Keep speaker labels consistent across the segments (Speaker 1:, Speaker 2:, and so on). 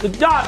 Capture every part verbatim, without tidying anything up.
Speaker 1: สุดยอด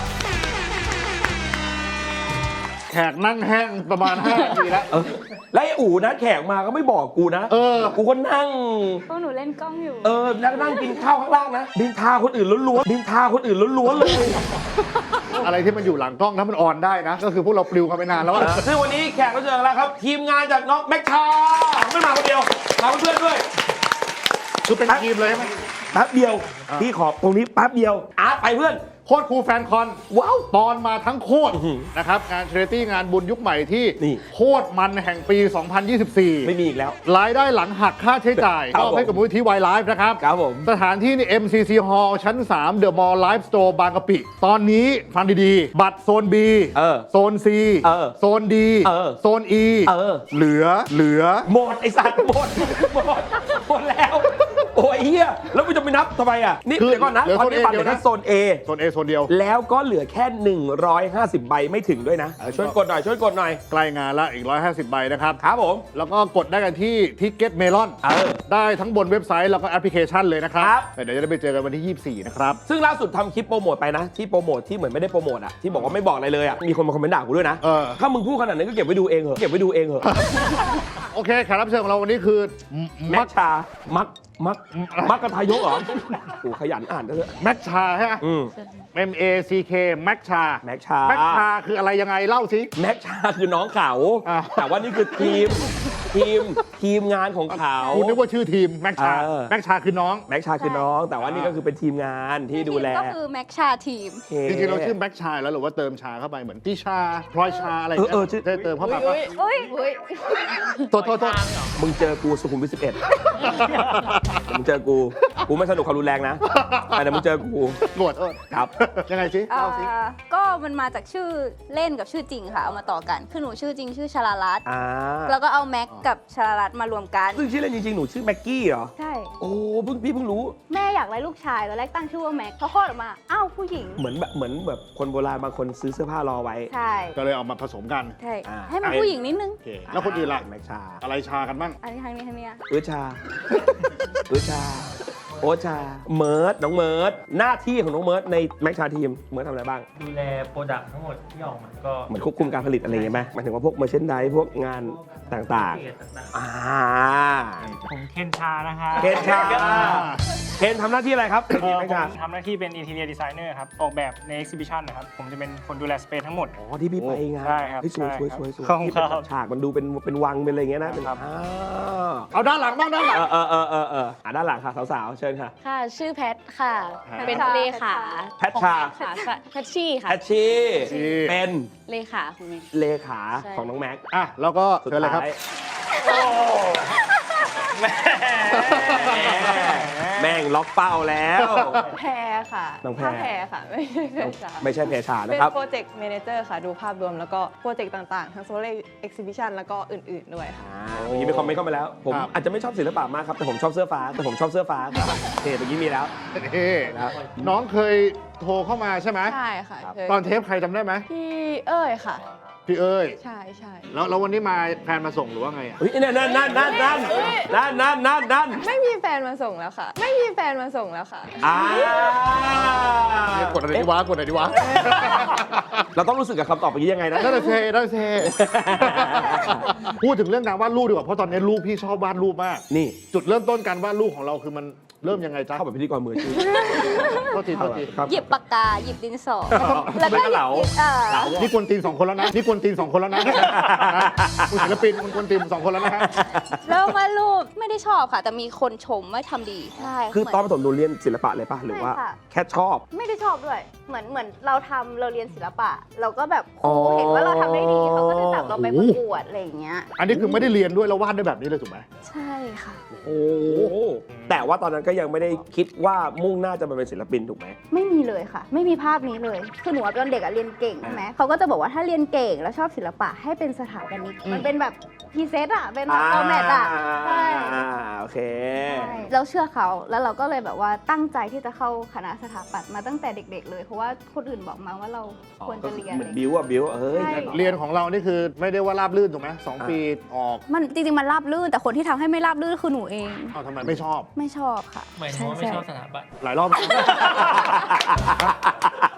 Speaker 2: แขกนั่งแห้งประมาณห้านาทีแล้ว
Speaker 1: แล้วไอ้อู๋นะแขกมาก็ไม่บอกกูนะเออกูก็นั่ง
Speaker 3: พวกหนูเล่นกล้องอยู่
Speaker 1: เออนั่งนั่งกินข้าวข้างล่างนะดินทาคนอื่นล้วนๆดินทาคนอื่นล้วนๆเลย
Speaker 2: อะไรที่มันอยู่หลังกล้องถ้ามันออนได้นะก็คือพวกเราปลิวกันไปนานแล้ว
Speaker 1: ซึ่งวันนี้แขกรับเชิญแล้วครับทีมงานจากน้องแม็กชาไม่มาคนเดียวมาเพื่อนด้วย
Speaker 2: คือเป็นทีมเลยใช่ไหม
Speaker 1: แป๊บเดียวพี่ขอตรงนี้แป๊บเดียวอาร์ตไปเพื่อน
Speaker 2: โคตรคูลแฟนคอน
Speaker 1: ว้าว
Speaker 2: ตอนมาทั้งโคตรนะครับงานเชริตี้งานบุญยุคใหม่ที่โคตรมันแห่งปี สองพันยี่สิบสี่
Speaker 1: ไม่มีอีกแล้ว
Speaker 2: รายได้หลังหักค่าใช้จ่ายมอบให้กับมูลนิธิวายไลฟ์นะครับ
Speaker 1: ครับผม
Speaker 2: สถานที่นี่ เอ็ม ซี ซี Hall ชั้น สาม The Mall Live Store บางกะปิ ตอนนี้ฟังดีๆ บัตรโซน B โซน C โซน D โซน E เหลือเหลือ
Speaker 1: หมดไอสัตว์หมดหมดหมดแล้วโอ้ยเฮียแล้วมันจะไปนับทำไมอ่ะนี่เดี๋ยวก่อนนะตอนนี้บัตรเหลือแค่โซน A
Speaker 2: โซน A โซนเดียว
Speaker 1: แล้วก็เหลือแค่หนึ่งร้อยห้าสิบใบไม่ถึงด้วยนะช่วยกดหน่อยช่วยกดหน่อย
Speaker 2: ใกล้งานละอีกหนึ่งร้อยห้าสิบใบนะครับ
Speaker 1: ครับผม
Speaker 2: แล้วก็กดได้กันที่ทิกเก็ตเมลอนได้ทั้งบนเว็บไซต์แล้วก็แอปพลิเคชันเลยนะครับเดี๋ยวจะได้ไปเจอกันวันที่ยี่สิบสี่นะครับ
Speaker 1: ซึ่งล่าสุดทำคลิปโปรโมทไปนะที่โปรโมทที่เหมือนไม่ได้โปรโมทอ่ะที่บอกว่าไม่บอกอะไรเลยอ่ะมีคนมาคอมเมนต์ด่ากูด้วยนะถ้ามึงพูดขนาดนั้นก็เก็บไว้ดูเองเหอะเก็บไว้ดูเองเหอะ
Speaker 2: โอเคแขกรับเชิญของเราวันนี้คือ
Speaker 1: แม็กชามักมักมักกระทายกเหรอโอ้ขยันอ่านด้วย
Speaker 2: แม็กชาใช่ไหม M A C K แม็กชา
Speaker 1: แม็กชา
Speaker 2: แม็กชาคืออะไรยังไงเล่าสิ
Speaker 1: แม็กชาคือน้องเขาแต่ว่านี่คือทีมทีมทีมงานของเขา
Speaker 2: คุณนึกว่าชื่อทีมแม็กชาแม็กชาคือน้อง
Speaker 1: แม็กชาคือน้องแต่ว่านี่ก็คือเป็นทีมงานที่ดูแล
Speaker 3: ก็คือแม็กชาทีม
Speaker 2: จริงๆเราชื่อแม็กชาแล้วหรือว่าเติมชาเข้าไปเหมือนติชาพลอยชาอะไรเงี้ยได้เติมเข้าไปป่ะ
Speaker 3: เฮ้ยเฮ้ย
Speaker 2: โทษโทษโทษ
Speaker 1: มึงเจอกูสุขุมวิทสิบเอ็ดมึงเจอกูกูไม่สนุกความรุนแรงนะแต่มึงเจอกู
Speaker 2: โกรธ
Speaker 1: ครับ
Speaker 2: ยังไงสิเล่าสิ
Speaker 3: ก็มันมาจากชื่อเล่นกับชื่อจริงค่ะเอามาต่อกันคือหนูชื่อจริงชื่อชลาลัตน์แล้วก็เอาแม็กกับชลาลัตน์มารวมกัน
Speaker 1: ซึ่งชื่อเล่นจริงๆหนูชื่อแม็กกี้เหรอ
Speaker 3: ใช่
Speaker 1: โอ้เพิ่งพี่เพิ่งรู้
Speaker 3: แม่อยากได้ลูกชายตอนแรกตั้งชื่อว่าแม็กพอคลอดออกมาอ้าวผู้หญิง
Speaker 1: เหมือนแบบเหมือนแบบคนโบราณบางคนซื้อเสื้อผ้ารอไว้
Speaker 3: ใช่
Speaker 2: ก็เลยเอามาผสมกัน
Speaker 3: ใช่ให้มันผู้หญิงนิดนึง
Speaker 2: แล้วคนอื่นล่ะ
Speaker 1: แม็กชา
Speaker 2: อะไรชากันบ้าง
Speaker 3: อันนี้ทางนี้ทางนี้
Speaker 1: เออชาเออชาโอชาเมิร์ดน้องเมิร์ดหน้าที่ของน้องเมิร์ดในแม็กชาทีมเมิร์ดทำอะไรบ้าง
Speaker 4: ดูแลโปรดักต์ทั้งหมดที่ออกมาก็
Speaker 1: เหมือนควบคุมการผลิตอะไรอย่างเงี้ยไหมหมายถึงว่าพวกเมอร์เชนไดส์พวกงานต่างๆอ่า
Speaker 4: ผมเคนชานะคะ
Speaker 1: เคนชาเคนทำหน้าที่อะไรครับเคน
Speaker 4: ผมทำหน้าที่เป็นอินทีเรียดีไซเนอร์ครับออกแบบในเอ็กซิบิชันนะครับผมจะเป็นคนดูแลสเปซทั้งหมด
Speaker 1: อ๋อที่พี่ไปงาน
Speaker 4: ใช่ครับ
Speaker 1: สวยสวยสวยสวย
Speaker 4: ที่
Speaker 1: ฉากมันดูเป็นเป็นวังเป็นอะไรเงี้ยนะ
Speaker 2: เอาด้านหลังบ้างด้านหลัง
Speaker 1: เออเออเออเอออ่ะด้านหลังค่ะสาวๆเชิญค่ะ
Speaker 5: ค่ะชื่อแพทค่ะเป็นเลขา
Speaker 1: แพทชา
Speaker 5: แพทชี่ค่ะ
Speaker 1: แพทชี่เป็น
Speaker 5: เลขาของแม็ก
Speaker 1: เลขาของน้องแม็ก
Speaker 2: อ่ะแล้วก็เชิญเลยครับ
Speaker 1: แม่งล็อกเป้าแล้ว
Speaker 5: แพรค่ะ
Speaker 1: น้องแพร
Speaker 5: แพรค่ะไม่ใช่แพรชา
Speaker 1: ไม่ใช่แพรชานะ
Speaker 5: เป็น
Speaker 1: ครับ
Speaker 5: โปรเจกต์แมเนเจอร์ค่ะดูภาพรวมแล้วก็โปรเจกต์ต่างๆทั้งโซลาร์เอ็กซิบิชันแล้วก็อื่นๆด้วยค่ะ
Speaker 1: เมื่อกี้มีคอมเมนต์เข้ามาแล้วผมอาจจะไม่ชอบศิลปะมากครับแต่ผมชอบเสื้อฟ้าแต่ผมชอบเสื้อฟ้าเฮ้เมื่อกี้มีแล้ว
Speaker 2: เฮ้น้องเคยโทรเข้ามาใช่ไหม
Speaker 5: ใช่ค่ะ
Speaker 2: ตอนเทปใครจำได้ไหม
Speaker 5: พี่เอ้ยค่ะ
Speaker 2: พี่เอ้ย
Speaker 5: ใช่ใช่
Speaker 2: แล้วแล้ววันนี้มาแฟนมาส่งหรือว่าไงอ่ะ
Speaker 1: เฮ้ยนั่นนั่นนั่นนั่นนั่นนั่นนั่นนั่นนั่น
Speaker 5: ไม่มีแฟนมาส่งแล้วค่ะไม่มีแฟนมาส่งแล้วค่ะ
Speaker 1: อ่าก
Speaker 2: ดอะไรดีวะกดอะไรดีวะ
Speaker 1: เราต้องรู้สึกกับคำตอบอย่างนี้ยังไงนะ
Speaker 2: นั่นเท่นั่นเท่พูดถึงเรื่องการวาดรูปดีกว่าเพราะตอนนี้ลูกพี่ชอบวาดรูปมาก
Speaker 1: นี่
Speaker 2: จุดเริ่มต้นการวาดรูปของเราคือมันเริ่มยังไงจ๊ะ
Speaker 1: เข้าแบบพิธีกรมืออาชีพ
Speaker 2: โทษทีโทษที
Speaker 3: หยิบปากกาหยิบดินสอ
Speaker 1: แล้วก็เหลา
Speaker 2: นี่กวนตีนสองคนแล้วนะนี่กวนตีนสองคนแล้วนะคุณศิลปินคุณกวนตีนสองคนแล้วนะฮะ
Speaker 3: แล้ววาดรูปไม่ได้ชอบค่ะแต่มีคนชมว่าทำดีใช่
Speaker 1: คือตอนประถมหนูเรียนศิลปะเลยป่ะหรือว่าแค่ชอบ
Speaker 3: ไม่ได้ชอบด้วยเหมือนเหมือนเราทำเราเรียนศิลปะเราก็แบบครูเห็นว่าเราทำได้ดีเขาก็จะจับเราไปประกวดอะไรอย่างเงี้ย
Speaker 2: อันนี้คือไม่ได้เรียนด้วยแล้ววาดได้แบบนี้เลยถูกไหม
Speaker 3: ใช่ค่ะ
Speaker 1: โอ้แต่ว่าตอนนั้นก็ยังไม่ได้คิดว่ามุ่งหน้าจะมาเป็นศิลปินถูกไหม
Speaker 3: ไม่มีเลยค่ะไม่มีภาพนี้เลยคือหนูตอนเด็กอะเรียนเก่งใช่ไหมเขาก็จะบอกว่าถ้าเรียนเก่งแล้วชอบศิลปะให้เป็นสถาปนิกมันเป็นแบบพรีเซตอะเป็นแบบฟอร์แมตอะใช่
Speaker 1: โอเค
Speaker 3: เราเชื่อเขาแล้วเราก็เลยแบบว่าตั้งใจที่จะเข้าคณะสถาปัตย์มาตั้งแต่เด็กๆเลยเพราะว่าคนอื่นบอกมาว่าเราควรจะเรียน
Speaker 1: เหมือนบิวอะบิวเฮ้ย
Speaker 2: เรียนของเรานี่คือไม่ได้ว่าราบลื่นถูกไหมสองปีออก
Speaker 3: มันจริงๆมันราบลื่นแต่คนที่ทำให้ไม่ราบลื่นคือหนูเอง
Speaker 2: อ้าวทำไมไม่ชอบ
Speaker 3: ไม่ชอบค่ะ
Speaker 4: หมายถึงว่าไม่ชอบสถาบัน
Speaker 2: หลายรอบ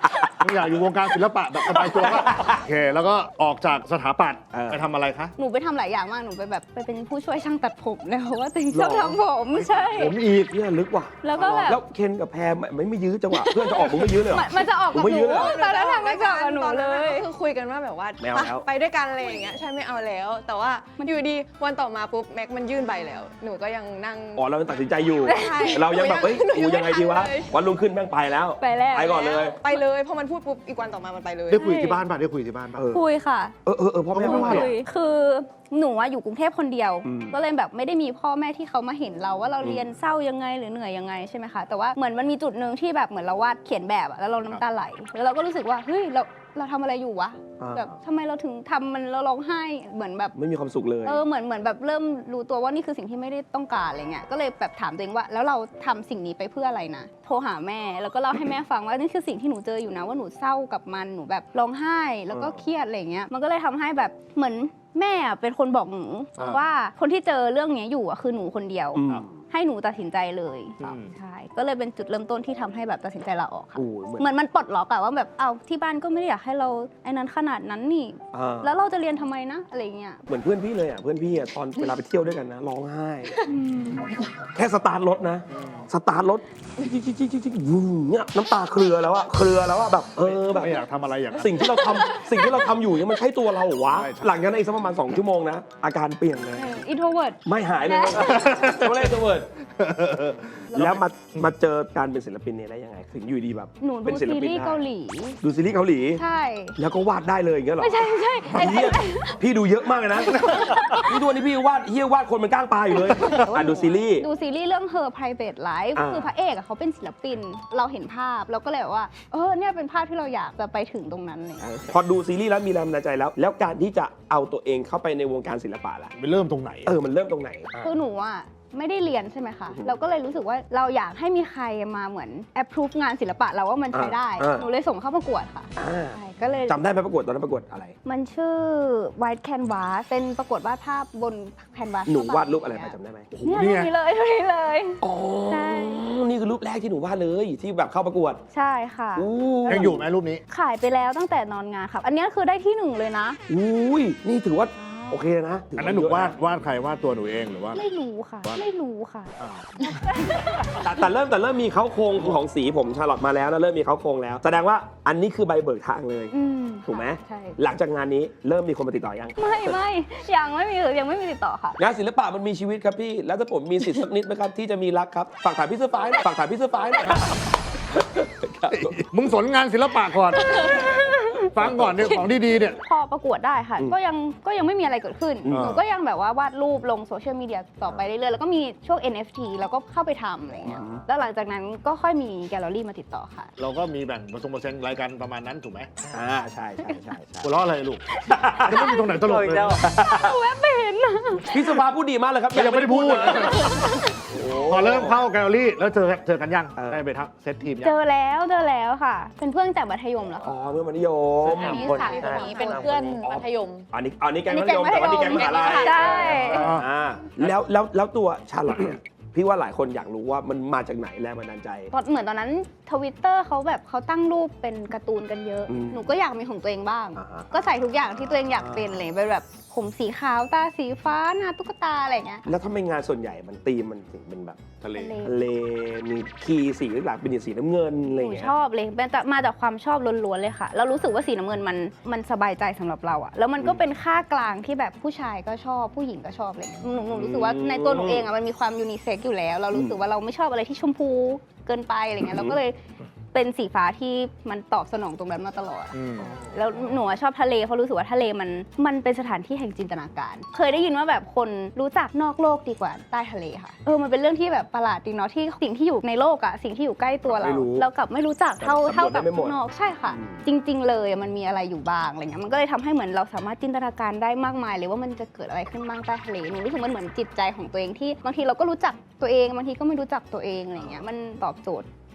Speaker 2: มึงอยากอยู่วงการศิลปะแบบสบายตัวก็โอเค แล้วก็ออกจากสถาปัตย์
Speaker 1: เออ
Speaker 2: ไปทำอะไรคะ
Speaker 3: หนูไปทำหลายอย่างมาก หนูไปแบบไปเป็นผู้ช่วยช่างตัดผมเลยเพราะว่าตัวเองชอบทำผมใช่
Speaker 2: ผมอีก
Speaker 1: เนี่ยลึกว่ะ
Speaker 3: แล้วก็แบบ
Speaker 1: แล้วเคนกับแพรไม่ไม่ยื้อจังหวะเพื่อนจะออกมึงไม่ยื้อเลยเหรอ
Speaker 3: มันมันจะออกกับ
Speaker 1: ผมไม่
Speaker 3: ห
Speaker 1: ยื้
Speaker 3: นู
Speaker 1: อเลย
Speaker 3: ตอนนั้นทำไม่กับหนู
Speaker 5: ตอน
Speaker 3: เล
Speaker 5: นั้น
Speaker 3: ย
Speaker 5: ก็คือคุยกันว่าแบบว่า
Speaker 1: ไม่เอาแล้ว
Speaker 5: ไปด้วยกันอะไรอย่างเงี้ยใช่ไม่เอาแล้ว แต่ว่าอยู่ดีวันต่อมาปุ๊บแม็กมันยื่นใบแล้ว หนูก็ยังนั่ง
Speaker 1: อ๋อเรายังตัดสินใจอยู่
Speaker 5: ใช่
Speaker 1: เรายังแบบเฮ้ย
Speaker 5: หนู
Speaker 1: กู
Speaker 5: ยัง
Speaker 1: ยังไงดีวะ
Speaker 5: ไม่ทันเลย
Speaker 1: วันรุ่งขึ้นแม่งไปแล้ว
Speaker 3: ไปแล้ว
Speaker 1: ไปก่อนเลย
Speaker 5: ไปเลยพอมันพูดปุ๊บอีกวันต่อมามันไปเลย
Speaker 2: ได้คุยที่บ้านป่ะได้คุยที่บ้านป่ะ
Speaker 1: เออ
Speaker 3: คุยค่ะ
Speaker 1: เออเออเออพ่อแม่
Speaker 2: คุ
Speaker 1: ไม่ว่าหรอ
Speaker 3: คุยคือหนูอะอยู่กรุงเทพคนเดียว
Speaker 1: อืม
Speaker 3: ก็เลยแบบไม่ได้มีพ่อแม่ที่เขามาเห็นเราว่าเราเรียนเศร้ายังไงหรือเหนื่อยยังไงใช่ไหมคะแต่ว่าเหมือนมันมีจุดหนึ่งที่แบบเหมือนเราวาดเขียนแบบอะแล้วเราน้ำตาไหลแล้วเราก็รู้สึกว่าเฮ้ยเราเราทำอะไรอยู่วะ
Speaker 1: อ่า
Speaker 3: แบบทำไมเราถึงทำมันเราร้องไห้เหมือนแบบ
Speaker 1: ไม่มีความสุขเลย
Speaker 3: เออเหมือนเหมือนแบบเริ่มรู้ตัวว่านี่คือสิ่งที่ไม่ได้ต้องการอะไรเงี้ยก็เลยแบบถามตัวเองว่า แล้วเราทำสิ่งนี้ไปเพื่ออะไรนะโทรหาแม่แล้วก็เล่าให้แม่ฟังว่านี่คือสิ่งที่หนูเจออยู่นะว่าหนูเศร้ากับมันหนูแบบร้องไห้แล้วก็เครียดอะไรเงี้ยมันก็เลยทำให้แบบเหมือนแม่อะเป็นคนบอกหนู
Speaker 2: อ่า
Speaker 3: ว่าคนที่เจอเรื่องเนี้ยอยู่อะคือหนูคนเดียว
Speaker 1: อืม
Speaker 3: ให้หนูตัดสินใจเลย
Speaker 2: อืม
Speaker 3: ใช่ก็เลยเป็นจุดเริ่มต้นที่ทำให้แบบตัดสินใจลาออกค่ะ
Speaker 1: โอ้ยเหมือน
Speaker 3: เหมือนมันปลดล็อกอะว่าแบบเอาที่บ้านก็ไม่ได้อยากให้เราไอ้นั้นขนาดนั้นนี่
Speaker 1: อ่า
Speaker 3: แล้วเราจะเรียนทำไมนะอะไรเงี้ย
Speaker 1: เหมือนเพื่อนพี่เลยอ่ะเพื่อนพี่อ่ะตอนเวลาไปเที่ยวด้วยกันนะร้องไห้ แค่สตาร์ทรถนะ สตาร์ทรถจิ๊กจิ๊กจิ๊กจิ๊กจิ๊กวูเนี่ยน้ำตาเครือแล้วอะเครือแล้วอะแบบเออแบบ
Speaker 2: ไม่อยากทำอะไรอย่างนั้น
Speaker 1: สิ่งที่เราทำสิ่งที่เราทำอยู่เนี่ยมันใช่ตัวเราเหรอวะ
Speaker 2: ใช่ใช่
Speaker 1: หลังจากนั้นอีกสักประมาณสองชั่วโมงนะอาการเปลี่ยนเลย
Speaker 3: อินโทรเวิร์ด
Speaker 1: ไม่หายเลยไม่เล่นตัวเวิร์ดแล้วมามาเจอการเป็นศิลปินเนี่ยได้ยังไงถึงอยู่ดีแบบ
Speaker 3: หนู
Speaker 1: เป็
Speaker 3: ดู
Speaker 1: นศิล
Speaker 3: ซี
Speaker 1: ปิน
Speaker 3: รีส์
Speaker 1: ได้
Speaker 3: เกาหลี
Speaker 1: ดูซีรีส์เกาหลี
Speaker 3: ใช่
Speaker 1: แล้วก็วาดได้เลยอย่างเงี้ยเหรอ
Speaker 3: ไม่ใช่ไม่ใช่ไอ้
Speaker 1: เฮียพี่ดูเยอะมากเลยนะพี่ตัวนี้พี่วาดเฮียวาดคนมันก้างปลาอยู่เลยอ่ะดูซีรีส์
Speaker 3: ดูซีรีส์เรื่อง Her Private Life
Speaker 1: อ่า
Speaker 3: คือพระเอกอะเขาเป็นศิลปิน เราเห็นภาพเราก็เลยแบบว่า เออเนี่ยเป็นภาพที่เราอยากจะไปถึงตรงนั้นเลย
Speaker 1: พอดูซีรีส์แล้วมีแรงบันดาลใจแล้ว แล้วการที่จะเอาตัวเองเข้าไปในวงการศิลปะล่ะ
Speaker 2: ไปเริ่มตรงไหน
Speaker 1: เออมันเริ่มตรงไหนอ่ะ
Speaker 3: คือหนูอะไม่ได้เรียนใช่ไหมคะ
Speaker 1: อือฮึ
Speaker 3: เราก็เลยรู้สึกว่าเราอยากให้มีใครมาเหมือน approve งานศิลปะเราว่ามันใช้ได้
Speaker 1: อ่า
Speaker 3: หนูเลยส่งเข้าประกวดค่ะ
Speaker 1: อ่า
Speaker 3: ใช่ก็เลย
Speaker 1: จำได้ไหมประกวดตอนนั้นประกวดอะไร
Speaker 3: มันชื่อ White Canvas เป็นประกวดวาดภาพบนแคนวาส
Speaker 1: หนูวาดรูปอะไรไปจำได้ไหมโอ้โห
Speaker 3: เนี่ย
Speaker 2: นี่
Speaker 3: รูป
Speaker 2: ไง
Speaker 3: นี้เลยรูปนี้เลย
Speaker 1: อ๋อ
Speaker 3: ใช่
Speaker 1: นี่คือรูปแรกที่หนูวาดเลยที่แบบเข้าประกวด
Speaker 3: ใช่ค่ะ
Speaker 1: อู้
Speaker 2: ยังอยู่ไหมรูปนี้
Speaker 3: ขายไปแล้วตั้งแต่นอนงานครับ อันนี้คือได้ที่หนึ่งเลยนะ
Speaker 1: อุ้ยนี่ถือว่าโอเคนะถื
Speaker 2: อันนั้นหนู
Speaker 1: เยะะ
Speaker 2: วาดวาดใครวาดตัวหนูเองหรือว่า
Speaker 3: ไม่รู้ค่ะ ไม่รู้ค่ะ
Speaker 2: อ้าว
Speaker 1: แต่แต่เริ่มแต่เริ่มมีเขาโครงของสีผมชาลอตมาแล้วนะเริ่มมีเขาโครงแล้ว แสดงว่าอันนี้คือใบเบิกทางเลย
Speaker 3: อืม
Speaker 1: ถูกไหม
Speaker 3: ใช่
Speaker 1: หลังจากงานนี้เริ่มมีคนมาติดต่อยัง
Speaker 3: ไม่ไม่ยังไม่มียังไม่มีติดต่อค่ะ
Speaker 1: งานศิลปะมันมีชีวิตครับพี่ แล้วถ้าผมมีสิทธิ์สักนิดไหมครับที่จะมีรักครับ ฝากถ่ายพี่เสื้อฟ้าหน่อยฝากถ่ายพี่เสื้อฟ้าหน่อยครับ
Speaker 2: มึงสนงานศิลปะก่อน ฟังก่อนเนี่ยของดีๆเนี่ย
Speaker 3: พอประกวดได้ค่ะ
Speaker 1: อืม
Speaker 3: ก็ยังก็ยังไม่มีอะไรเกิดขึ้น
Speaker 1: อืม
Speaker 3: หนูก็ยังแบบว่าวาดรูปลงโซเชียลมีเดียต่อไปเรื่อยๆ แล้วก็มีช่วง เอ็น เอฟ ที แล้วก็เข้าไปทำอะไรเงี้ย แล้วหลังจากนั้นก็ค่อยมีแกลเลอรี่มาติดต่อค่ะ
Speaker 2: เราก็มีแบ่งผสมเปอร์เซ็นต์รายการประมาณนั้นถูกไหม
Speaker 1: อ่าใช่ใช่ใช่ใช่
Speaker 2: หัวเราะอะไรลูกจะไม่มีตรงไหนตลกเลย
Speaker 1: พี่เสื้อฟ้าพูดดีมากเลยครับ
Speaker 2: ยังไม่ได้พูด
Speaker 1: เลย
Speaker 2: พอเริ่มเข้าแกลเลอรี่แล้วเจอเจอกันยัง
Speaker 1: เออ
Speaker 2: ได้ไปทักเซตทีมยั
Speaker 3: เจ
Speaker 2: ง
Speaker 3: อแล้วเจอแล้วค่ะ เป็นเพื่อนจากมัธยมแล้ว
Speaker 1: อ๋อ
Speaker 3: ค่ะ
Speaker 1: เมื่อมัธยม
Speaker 3: อันนี้
Speaker 5: คน
Speaker 3: สาม
Speaker 5: คนนี้เป็นเพื่อนมัธยม
Speaker 1: อันนี้อันนี้แก๊ง
Speaker 3: อันนี้
Speaker 1: มัธยม
Speaker 3: แก๊
Speaker 1: แต่
Speaker 3: ง
Speaker 1: ว่า
Speaker 3: มัธยม
Speaker 1: นี่แก๊งมหาลัย
Speaker 3: ใช่
Speaker 1: อ่าแล้วแล้วแล้วตัวชาลอตเนี่ยพี่ว่าหลายคนอยากรู้ว่ามันมาจากไหนแรงบันดาลใจ
Speaker 3: ตอนเหมือนตอนนั้นทวิตเตอร์เขาแบบเขาตั้งรูปเป็นการ์ตูนกันเยอะ
Speaker 1: อืม
Speaker 3: หนูก็อยากมีของตัวเองบ้าง
Speaker 1: อ่าฮะ
Speaker 3: ก็ใส่ทุกอย่างที่ตัวเองอยากเป็นเลยเป็นแบบผมสีขาวตาสีฟ้าหน้าตุ๊กตาอะไรอย่างเงี้ย
Speaker 1: แล้วทำไมงานส่วนใหญ่มันตีมมันถึงเป็นแบบ
Speaker 2: ทะเล
Speaker 3: ทะเล
Speaker 1: ทะเลมีคีย์สีหลักเป็นสีน้ำเงินอะไร
Speaker 3: ห
Speaker 1: อย่าง
Speaker 3: นู
Speaker 1: เงี้ย
Speaker 3: ชอบเลยเป็นแต่มาจากความชอบล้วนๆเลยค่ะ เรารู้สึกว่าสีน้ำเงินมันมันสบายใจสำหรับเราอะแล้วมันก็เป็นค่ากลางที่แบบผู้ชายก็ชอบผู้หญิงก็ชอบเลยหนูหนูรู้สึกว่าในตัวหนูเองอะมันมีความยูนิเซ็กอยู่แล้ว เรารู้สึกว่าเราไม่ชอบอะไรที่ชมพูเกินไปอะไรเงี้ยเราก็เลยเป็นสีฟ้าที่มันตอบสนองตรงนั้นมาตลอด
Speaker 2: อืม
Speaker 3: แล้วหนูอะชอบทะเลเพราะรู้สึกว่าทะเลมันมันเป็นสถานที่แห่งจินตนาการ เคยได้ยินว่าแบบคนรู้จักนอกโลกดีกว่าใต้ทะเลค่ะเออมันเป็นเรื่องที่แบบประหลาดจริงเนาะที่สิ่งที่อยู่ในโลกอะสิ่งที่อยู่ใกล้ตัวเรา
Speaker 1: ไม่รู้
Speaker 3: เรากลับไม่รู้จักเท่า
Speaker 1: แต่
Speaker 3: เท่ากับ
Speaker 1: สำรวจได้ไม่หมด
Speaker 3: ข้างนอกใช่ค่ะ
Speaker 1: อืม
Speaker 3: จริง ๆ เลยมันมีอะไรอยู่บ้างอะไรเงี้ยมันก็เลยทำให้เหมือนเราสามารถจินตนาการได้มากมายเลยว่ามันจะเกิดอะไรขึ้นบ้างใต้ทะเลหนูรู้สึกมันเหมือนจิตใจของตัวเองที่บางทีเราก็รู้จักตัวเองบางทีก็ไม่รู้จักตัวเองอะไรเงี้ยมันตอบโจทย์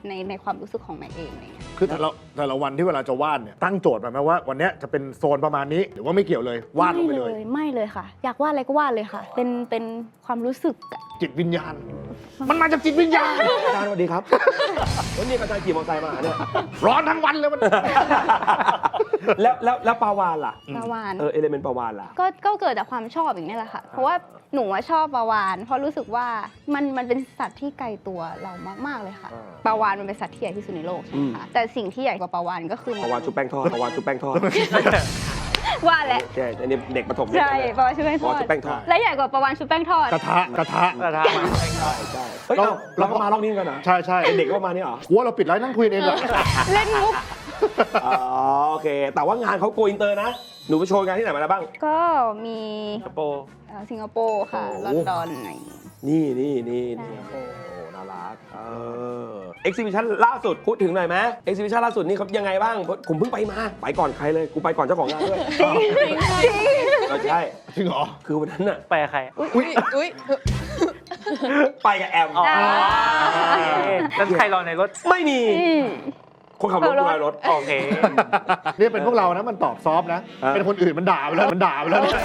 Speaker 3: ในในความรู้สึกของแม็กเองอะไรเงี้ย
Speaker 2: คือแต่ละแต่ละวันที่เวลาจะวาดเนี่ยตั้งโจทย์มาไหมว่าวันเนี้ยจะเป็นโซนประมาณนี้หรือว่าไม่เกี่ยวเลยวาดลงไปเลย
Speaker 3: ไม่เลยค่ะ อยากวาดอะไรก็วาดเลยค่ะ เป็นเป็นความรู้สึกอะ
Speaker 2: จิตวิญญาณ มันมาจากจิตวิญญาณ
Speaker 1: อาจารย์สวัสดีครับวันนี้อาจารย์ขี่มอเตอร์ไซค์มาหาเนี่ย
Speaker 2: ร้อนทั้งวันเลยมัน
Speaker 1: แล้วแล้วแล้วปลาวานล่ะ
Speaker 3: ปลาวาน
Speaker 1: เออเอเลเมนต์ปลาวานล่ะ
Speaker 3: ก็ก็เกิดจากความชอบอย่างนี้แหละค่ะ เพราะว่าหนูว่าชอบปลาวาน เพราะรู้สึกว่ามันมันเป็นสัตว์ที่ไกลตัวเรามากๆเลยค่ะ
Speaker 1: อ่า
Speaker 3: ปลาวานมันเป็นสัตว์ที่ใหญ่ที่สุดในโลกใช่ไหมคะแต่สิ่งที่ใหญ่กว่าปลาวานก็คือ
Speaker 1: ปลาวานชุบแป้งทอดปลาวานชุบแป้งทอด
Speaker 3: ว่าแหละ
Speaker 1: ใช่อันนี้เด็กประถม
Speaker 3: ใช่ปลาวานชุบแป้ง
Speaker 1: ป
Speaker 3: ท
Speaker 1: ลา
Speaker 3: อ
Speaker 1: วาน
Speaker 3: ด
Speaker 1: ชุบแป้งทอด
Speaker 3: และใหญ่กว่าปลาวานชุบแป้งทอด
Speaker 2: กระทะกระทะ
Speaker 4: กระทะ
Speaker 1: ใช่ใช่เฮ้ย
Speaker 2: เรา
Speaker 1: เราเราก็มารอบนี้กันนะ
Speaker 2: ใช่ใช่
Speaker 1: เป็นเด็กก็มาเนี่ยเหรอ
Speaker 2: หัวเราปิดไลฟ์นั่งคุยเองเหรอ
Speaker 3: เล่นมุก
Speaker 1: อ๋อโอเค แต่ว่างานเขาโกอินเตอร์นะ หนูไปโชว์งานที่ไหนมาแล้วบ้าง
Speaker 3: ก็มี
Speaker 4: สิงคโปร์
Speaker 3: เอ่อสิงคโปร์ค่ะ
Speaker 1: โอ้
Speaker 3: ลอนดอนอะไรอย่างงี้
Speaker 1: นี่นี่นี่นี่โอ้โหน่ารักเออเอ็กซิบิชันล่าสุดพูดถึงหน่อยไหมเอ็กซิบิชันล่าสุดนี่เขายังไงบ้างผมเพิ่งไปมาไปก่อนใครเลยกูไปก่อนเจ้าของงานด้วยก็ใช่
Speaker 2: จริงเหรอ
Speaker 1: คือวันนั้นน่ะ
Speaker 4: ไปกับใคร
Speaker 5: อุ้ยอุ้ย
Speaker 1: ไปกับแอม
Speaker 4: อ๋อ
Speaker 3: อ่า
Speaker 4: แล้วใครรอในรถ
Speaker 1: ไม่มี
Speaker 3: อืม
Speaker 1: คนขับรถดูแลรถ
Speaker 4: โอเค
Speaker 2: นี่เป็นพวกเรานะมันตอบซอฟต์นะ
Speaker 1: เออ
Speaker 2: เป็นคนอื่นมันด่าไปแล้วมันด่าไปแล้วเนี่ย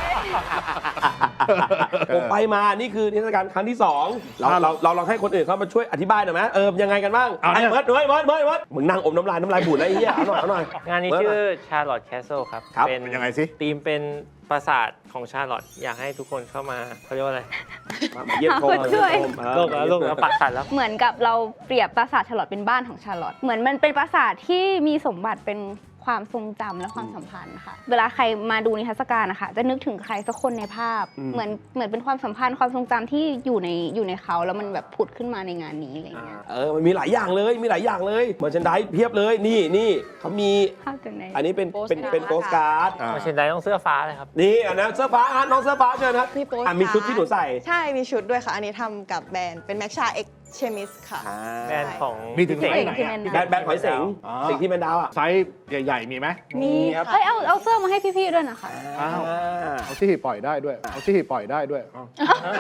Speaker 1: ผมไปมานี่คือนิทรรศการครั้งที่สองเรา
Speaker 2: อ่า
Speaker 1: เราเราลองให้คนอื่นเข้ามาช่วยอธิบายหน่อยไหมเออยังไงกันบ้าง
Speaker 2: เอาเนี่
Speaker 1: ไอ้
Speaker 2: ย
Speaker 1: เมิร์ดเมิร์ดเมิร์ดเมิร์ดเมิร์ดมึงนั่งอมน้ำลายน้ำลายบูดแล้วไอ้เหี้ยเอาหน่อยเอาหน่อย
Speaker 6: งานนี้
Speaker 1: เมิร์ด
Speaker 6: ชื่อ
Speaker 1: หน่ย
Speaker 6: Charlotte Castle ครับ
Speaker 1: ครับ
Speaker 6: เป็น
Speaker 2: เป็นยังไงสิ
Speaker 6: ธีมเป็นปราสาทของชาร์ลอตอยากให้ทุกคนเข้ามาเขาเรียกว่าอะไร
Speaker 1: มามาเยี่ยมชม
Speaker 3: หาคนช่วย
Speaker 1: เออ
Speaker 6: โลกแล้วโลกแล้วปักสันแล้ว
Speaker 3: เหมือนกับเราเปรียบปราสาทชาร์ลอตเป็นบ้านของชาร์ลอตเหมือนมันเป็นปราสาทที่มีสมบัติเป็นความทรงจำและความสัมพันธ์ค่ะเวลาใครมาดูนิทรรศการนะคะจะนึกถึงใครสักคนในภาพ เหมือนเหมือนเป็นความสัมพันธ์ความทรงจำที่อยู่ในอยู่ในเขาแล้วมันแบบผุดขึ้นมาในงานนี้อะไรอย่างเงี้ย
Speaker 1: เออมันมีหลายอย่างเลยมีหลายอย่างเลยเมอร์ชันไดเพียบเลยนี่นี่เขามี
Speaker 3: ภาพจากไหน
Speaker 1: อันนี้เป็น
Speaker 5: โปส
Speaker 1: เป็น
Speaker 5: การ์ด
Speaker 1: เป็นโปสการ์ด
Speaker 2: อ่า
Speaker 6: มาเชนไดต้องเสื้อฟ้าเลยครับ
Speaker 1: นี่อันนั้นเสื้อฟ้าอ่ะน้องเสื้อฟ้าเชิญครับ
Speaker 5: มีโปส
Speaker 1: อ่ะมีชุดที่หนูใส่
Speaker 5: ใช่มีชุดด้วยค่ะ อันนี้ทำกับแบรนด์เป็นแม็กชาเอ็กเชมิสค่ะ
Speaker 1: อ่า
Speaker 6: แบรนด์ของ
Speaker 2: มีถึง
Speaker 6: พี่
Speaker 2: ไหน
Speaker 6: เสก
Speaker 2: ไหน
Speaker 3: ที่
Speaker 2: อะ
Speaker 3: แมน
Speaker 1: แบรนด์แบรนด์หอยเสง
Speaker 2: อ๋อ
Speaker 1: สิ่งที่เป็นดาวอ่ะ
Speaker 2: ไซส์ใหญ่ๆมีไหม
Speaker 5: มี
Speaker 1: ครับ
Speaker 3: เอ้ยเอาเอาเสื้อมาให้พี่ๆด้วยนะคะ
Speaker 2: อ้าว เอาที่ปล่อยได้ด้วย เอาที่ปล่อยได้ด้วยอ้าว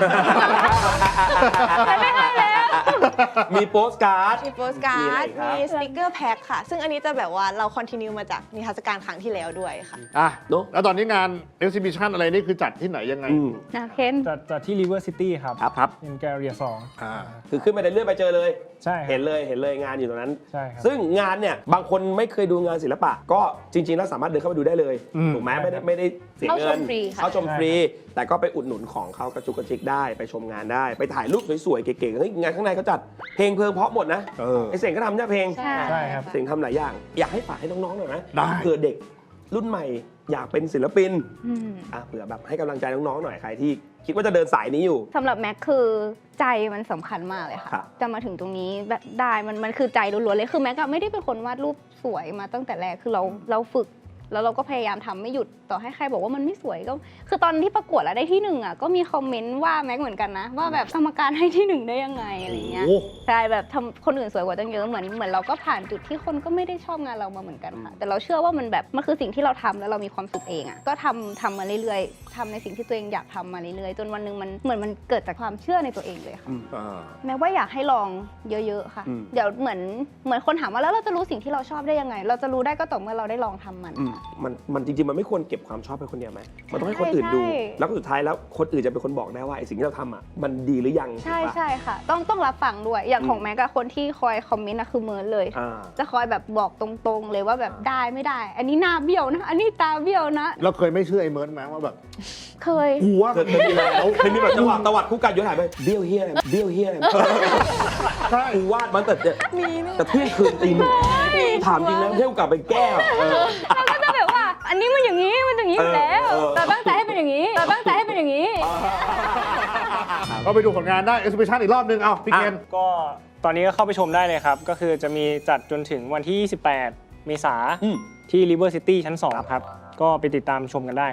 Speaker 3: ไม่ให้แล้ว
Speaker 1: มีโปสการ์ด
Speaker 5: มีโปสการ์ด
Speaker 1: มีอะไรครับ
Speaker 5: มีสติกเกอร์แพ็คค่ะ ซึ่งอันนี้จะแบบว่าเราคอนติเนียมาจากนิทรรศการครั้งที่แล้วด้วยค่ะ
Speaker 2: อ่ะ
Speaker 1: เนอะ
Speaker 2: แล้วตอนนี้งาน exhibition อะไรนี่คือจัดที่ไหนยังไง
Speaker 1: อืม
Speaker 3: นะเคน
Speaker 4: จัดจัดที่ River City ครับ
Speaker 1: ครับครับ
Speaker 4: เป็นแกลเลียสอง
Speaker 2: อ่า
Speaker 1: คือขึ้นไปในเลื่อนไปเจอเลย
Speaker 4: ใช่ครับ
Speaker 1: เห็นเลยเห็นเลยงานอยู่ตรงนั้น
Speaker 4: ใช่ครับ
Speaker 1: ซึ่งงานเนี่ยบางคนไม่เคยดูงานศิลปะ ก็จริงๆแล้วสามารถเดินเข้าไปดูได้เลย
Speaker 2: อืม
Speaker 1: ถูกไหมไม่ได้ไม่ได้เสีย
Speaker 3: เข้า
Speaker 1: เงิ
Speaker 3: ช
Speaker 1: น
Speaker 3: มฟรีค่ะ
Speaker 1: เข้าชมฟรี แต่ก็ไปอุดหนุนของเขากระจุกกระจิกได้ไปชมงานได้ ไปถ่ายรูปสวยๆเก๋ๆเฮ้ยงานข้างในเขาจัดเพลงเพลิงเพราะหมดนะ
Speaker 2: เออ
Speaker 1: ไอเสียงก็ทำเนี่ยเพลง
Speaker 3: ใช่
Speaker 4: ใช่ครับ
Speaker 1: เสียงทำหลายอย่าง อยากให้ฝากให้น้องๆหน่อยไหม
Speaker 2: ได้
Speaker 1: เผื่อเด็กรุ่นใหม่อยากเป็นศิลปิน
Speaker 3: อืม
Speaker 1: อ่ะเผื่อแบบให้กำลังใจน้องๆหน่อยใครที่คิดว่าจะเดินสายนี้อยู่
Speaker 3: สำหรับแม็กคือใจมันสำคัญมากเลยค่ะ
Speaker 1: ครับ
Speaker 3: จะมาถึงตรงนี้แบบได้มันมันคือใจล้วนๆเลยคือแม็กอะไม่ได้เป็นคนวาดรูปสวยมาตั้งแต่แรกคือเราเราฝึก แล้วเราก็พยายามทำไม่หยุดต่อให้ใครบอกว่ามันไม่สวยก็ คือตอนที่ประกวดแล้วได้ที่หนึ่งอ่ะก็มีคอมเมนต์ว่าแม็กเหมือนกันนะ ว่าแบบกรรมการให้ที่หนึ่งได้ยังไงอะไรเงี้ย
Speaker 2: โอ้
Speaker 3: ใช่แบบทำคนอื่นสวยกว่าตั้งเยอะเหมือนเหมือนเราก็ผ่านจุดที่คนก็ไม่ได้ชอบงานเรามาเหมือนกันค่ะ แต่เราเชื่อว่ามันแบบมันคือสิ่งที่เราทำแล้วเรามีความสุขเองอ่ะก็ทำทำมาเรื่อยๆทำในสิ่งที่ตัวเองอยากทำมาเรื่อยๆจนวันหนึงมันเหมือนมันเกิดจากความเชื่อในตัวเองเลยค่ะ
Speaker 2: อ่า
Speaker 3: แม้ว่าอยากให้ลองเยอะๆค่ะ
Speaker 1: อืม
Speaker 3: เดี๋ยวเหมือนเหมือนคนถามว่าแล้วเราจะรู้สิ่งที่เราชอบได้ยังไง เราจะรู้ได้ก็ต่อเมื่อเราได้ลองทำมัน
Speaker 1: อืมมันมันจริงๆมันไม่ควรเก็บความชอบไปคนเดียวไหมมันต้องให้คนอื่นดู
Speaker 3: ใช่
Speaker 1: แล้วก็สุดท้ายแล้วคนอื่นจะเป็นคนบอกได้ว่าไอ้สิ่งที่เราทำอ่ะมันดีหรือยัง
Speaker 3: ใช่
Speaker 1: ถูกปะ
Speaker 3: ใช่ค่ะ ต้องต้องรับฟังด้วยอย่าง
Speaker 1: อืม
Speaker 3: ของแม็กกับคนที่คอยคอมเมนต์นะคือเมิร์ดเลย
Speaker 1: อ่า
Speaker 3: จะคอยแบบบอกตรงๆ เลยว่าแบบได้ไม่ได้ อันนี้หน้าเบี้ยวนะ อันนี้ตาเบี้ยวนะ
Speaker 2: เราเคยไม่เชื่อไอ้เมิร์ดไหมว่าแบบ
Speaker 3: เคย
Speaker 2: กูว่า
Speaker 1: เคยเคยมีแล้วเคยมีแบบจังหวะตวัดคู่กันย้อนหายไปเบี้ยวเฮียอะไรเบี้ยวเฮียอะไร
Speaker 2: ใช่
Speaker 1: กูวาดมันแต่เนี่ยแต่เที่ยงคืนตีหนึ่งถามจริงแล้วเที่ยวกลับไปแก้วเออ
Speaker 3: เราก็จะแบบว่า อันนี้มันอย่างนี้มันอย่างนี้อยู่แล้ว
Speaker 1: เออเออ
Speaker 3: แต่ตั้งใจให้เป็นอย่างนี้แต่ตั้งใจให้เป็นอย่างนี้
Speaker 2: เราไปดูผลงานได้ exhibition อีกรอบนึง เอาพี่เคน
Speaker 4: ก็ตอนนี้ก็เข้าไปชมได้เลยครับ ก็คือจะมีจัดจนถึงวันที่ ยี่สิบแปด เมษา
Speaker 1: อืม
Speaker 4: ที่ River City ชั้น สอง ครับ ก็ไปติดตามชมกันได้ครับ
Speaker 1: อ่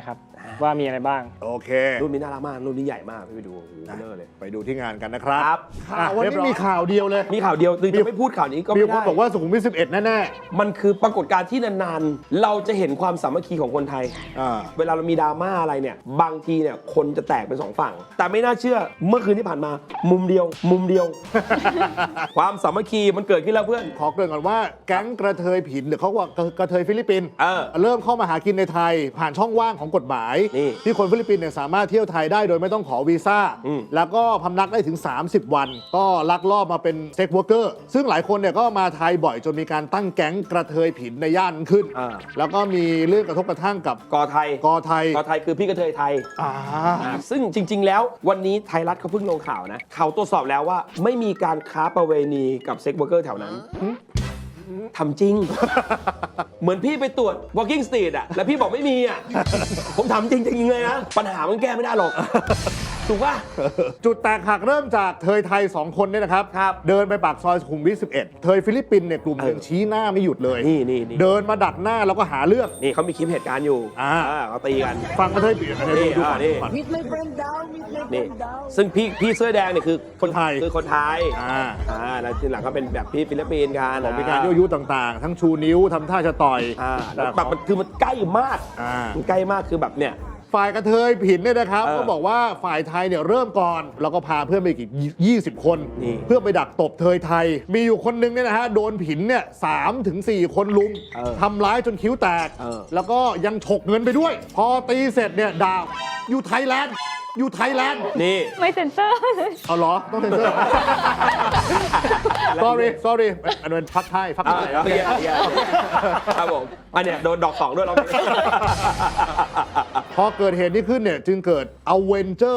Speaker 4: ว่ามีอะไรบ้าง
Speaker 2: โอเค
Speaker 1: รุ่นนี้น่ารักมากรุ่นนี้ใหญ่มากพี่ไปดูโอ้โหเบลอเลย
Speaker 2: ไปดูที่งานกันนะครับ
Speaker 1: ครับ
Speaker 2: อ่ะวันนี้มีข่าวเดียวเลย
Speaker 1: มีข่าวเดียวคือจะไม่พูดข่าวนี้ก็
Speaker 2: มี
Speaker 1: ไม่
Speaker 2: คน
Speaker 1: ได้
Speaker 2: บอกว่าสุขุมวิทสิบเอ็ดแน่
Speaker 1: มันคือปรากฏการณ์ที่นานๆ เราจะเห็นความสามัคคีของคนไทย
Speaker 2: ๆอ่า
Speaker 1: เวลาเรามีดราม่าอะไรเนี่ย บางทีเนี่ยคนจะแตกเป็นสองฝั่ง แต่ไม่น่าเชื่อเมื่อคืนที่ผ่านมา มุมเดียว มุมเดียว ความสามัคคีมันเกิดขึ้นแล้วเพื่อน
Speaker 2: ขอเกริ่นก่อนว่าแก๊งกระเทยผินหรือเขาว่ากระเทยฟิลิปปินส์
Speaker 1: เออ
Speaker 2: เริ่มเข้ามาหากินในไทย ผ่านช่องว่างของกฎหมาย
Speaker 1: นี่
Speaker 2: ที่คนฟิลิปปินส์เนี่ยสามารถเที่ยวไทยได้โดยไม่ต้องขอวีซ่า
Speaker 1: อืม
Speaker 2: แล้วก็พำนักได้ถึง สามสิบ วัน ก็ลักลอบมาเป็นเซ็กซ์วอร์เกอร์ซึ่งหลายคนเนี่ยก็มาไทยบ่อยจนมีการตั้งแก๊งกระเทยผินในย่านนั้นขึ้น
Speaker 1: อ่า
Speaker 2: แล้วก็มีเรื่องกระทบกระทั่งกับ
Speaker 1: กอไทย
Speaker 2: กอไทย
Speaker 1: กอไทยคือพี่กระเทยไทย
Speaker 2: อ่า
Speaker 1: อ่าซึ่งจริง ๆ แล้ววันนี้ไทยรัฐเขาเพิ่งลงข่าวนะ เขาตรวจสอบแล้วว่าไม่มีการค้าประเวณีกับเซ็กซ์วอร์เกอร์แถวนั้นทำจริง เหมือนพี่ไปตรวจ walking street อะแล้วพี่บอกไม่มีอะ ผมทำจริง ๆ เลยนะ ปัญหามันแก้ไม่ได้หรอก ถูกป่ะ
Speaker 2: จุดแตกหักเริ่มจากเทยไทยสองคนเนี่ยนะครับ
Speaker 1: ครับ
Speaker 2: เดินไปปากซอยสุขุมวิทสิบเอ็ดเทยฟิลิปปินส์เนี่ยกลุ่มหนึ่ง
Speaker 1: เออ
Speaker 2: ชี้หน้าไม่หยุดเลย
Speaker 1: นี่นี่นี่
Speaker 2: เดินมาดักหน้าแล้วก็หาเรื่อง
Speaker 1: นี่เขามีคลิปเหตุการณ์อยู่
Speaker 2: อ่า
Speaker 1: เขาตีกัน
Speaker 2: ฟังกระเทยผินอันนี้
Speaker 1: นี่
Speaker 2: ดู
Speaker 1: อ่า
Speaker 2: ก่อน
Speaker 1: นี่
Speaker 2: ก่อน
Speaker 1: นี่ ซึ่งพี่พี่เสื้อแดงเนี่ยคือ
Speaker 2: คนไทย
Speaker 1: คือคนไทย
Speaker 2: อ่า
Speaker 1: อ่าแล้วทีหลังก็เป็นแบบพี่ฟิลิปปินส์กัน
Speaker 2: บอกมีการยั่วยุต่างๆ ทั้งชูนิ้วทำท่าจะต่อย
Speaker 1: อ่าแล้ว
Speaker 2: แต่
Speaker 1: แบบมันคือมันใกล้มาก
Speaker 2: อ่า
Speaker 1: มันใกล้มากคือแบบเนี่ย
Speaker 2: ฝ่ายกระเทยผินเนี่ยนะครับ
Speaker 1: เออ
Speaker 2: ก็บอกว่าฝ่ายไทยเนี่ยเริ่มก่อน แล้วก็พาเพื่อนไปอีกยี่สิบคน
Speaker 1: นี่
Speaker 2: เพื่อไปดักตบเทยไทย มีอยู่คนนึงเนี่ยนะฮะโดนผินเนี่ยสามถึงสี่คนลุม
Speaker 1: เออ
Speaker 2: ทำร้ายจนคิ้วแตก
Speaker 1: เออ
Speaker 2: แล้วก็ยังฉกเงินไปด้วย พอตีเสร็จเนี่ยด่าอยู่ไทยแลนด์อยู่ไทยแลนด์
Speaker 1: นี่
Speaker 3: ไม่เซ็นเซอร์
Speaker 2: เอาเหรอ ต้องเซ็นเซอร์ sorry sorry อันนั้นพักไทยพัก
Speaker 1: อ่า
Speaker 2: ไทย
Speaker 1: โอเคโอเคโอเคครับผมอันเนี้ยโดนดอกสองด้วยเรา
Speaker 2: พอเกิดเหตุนี้ขึ้นเนี่ยจึงเกิด Avenger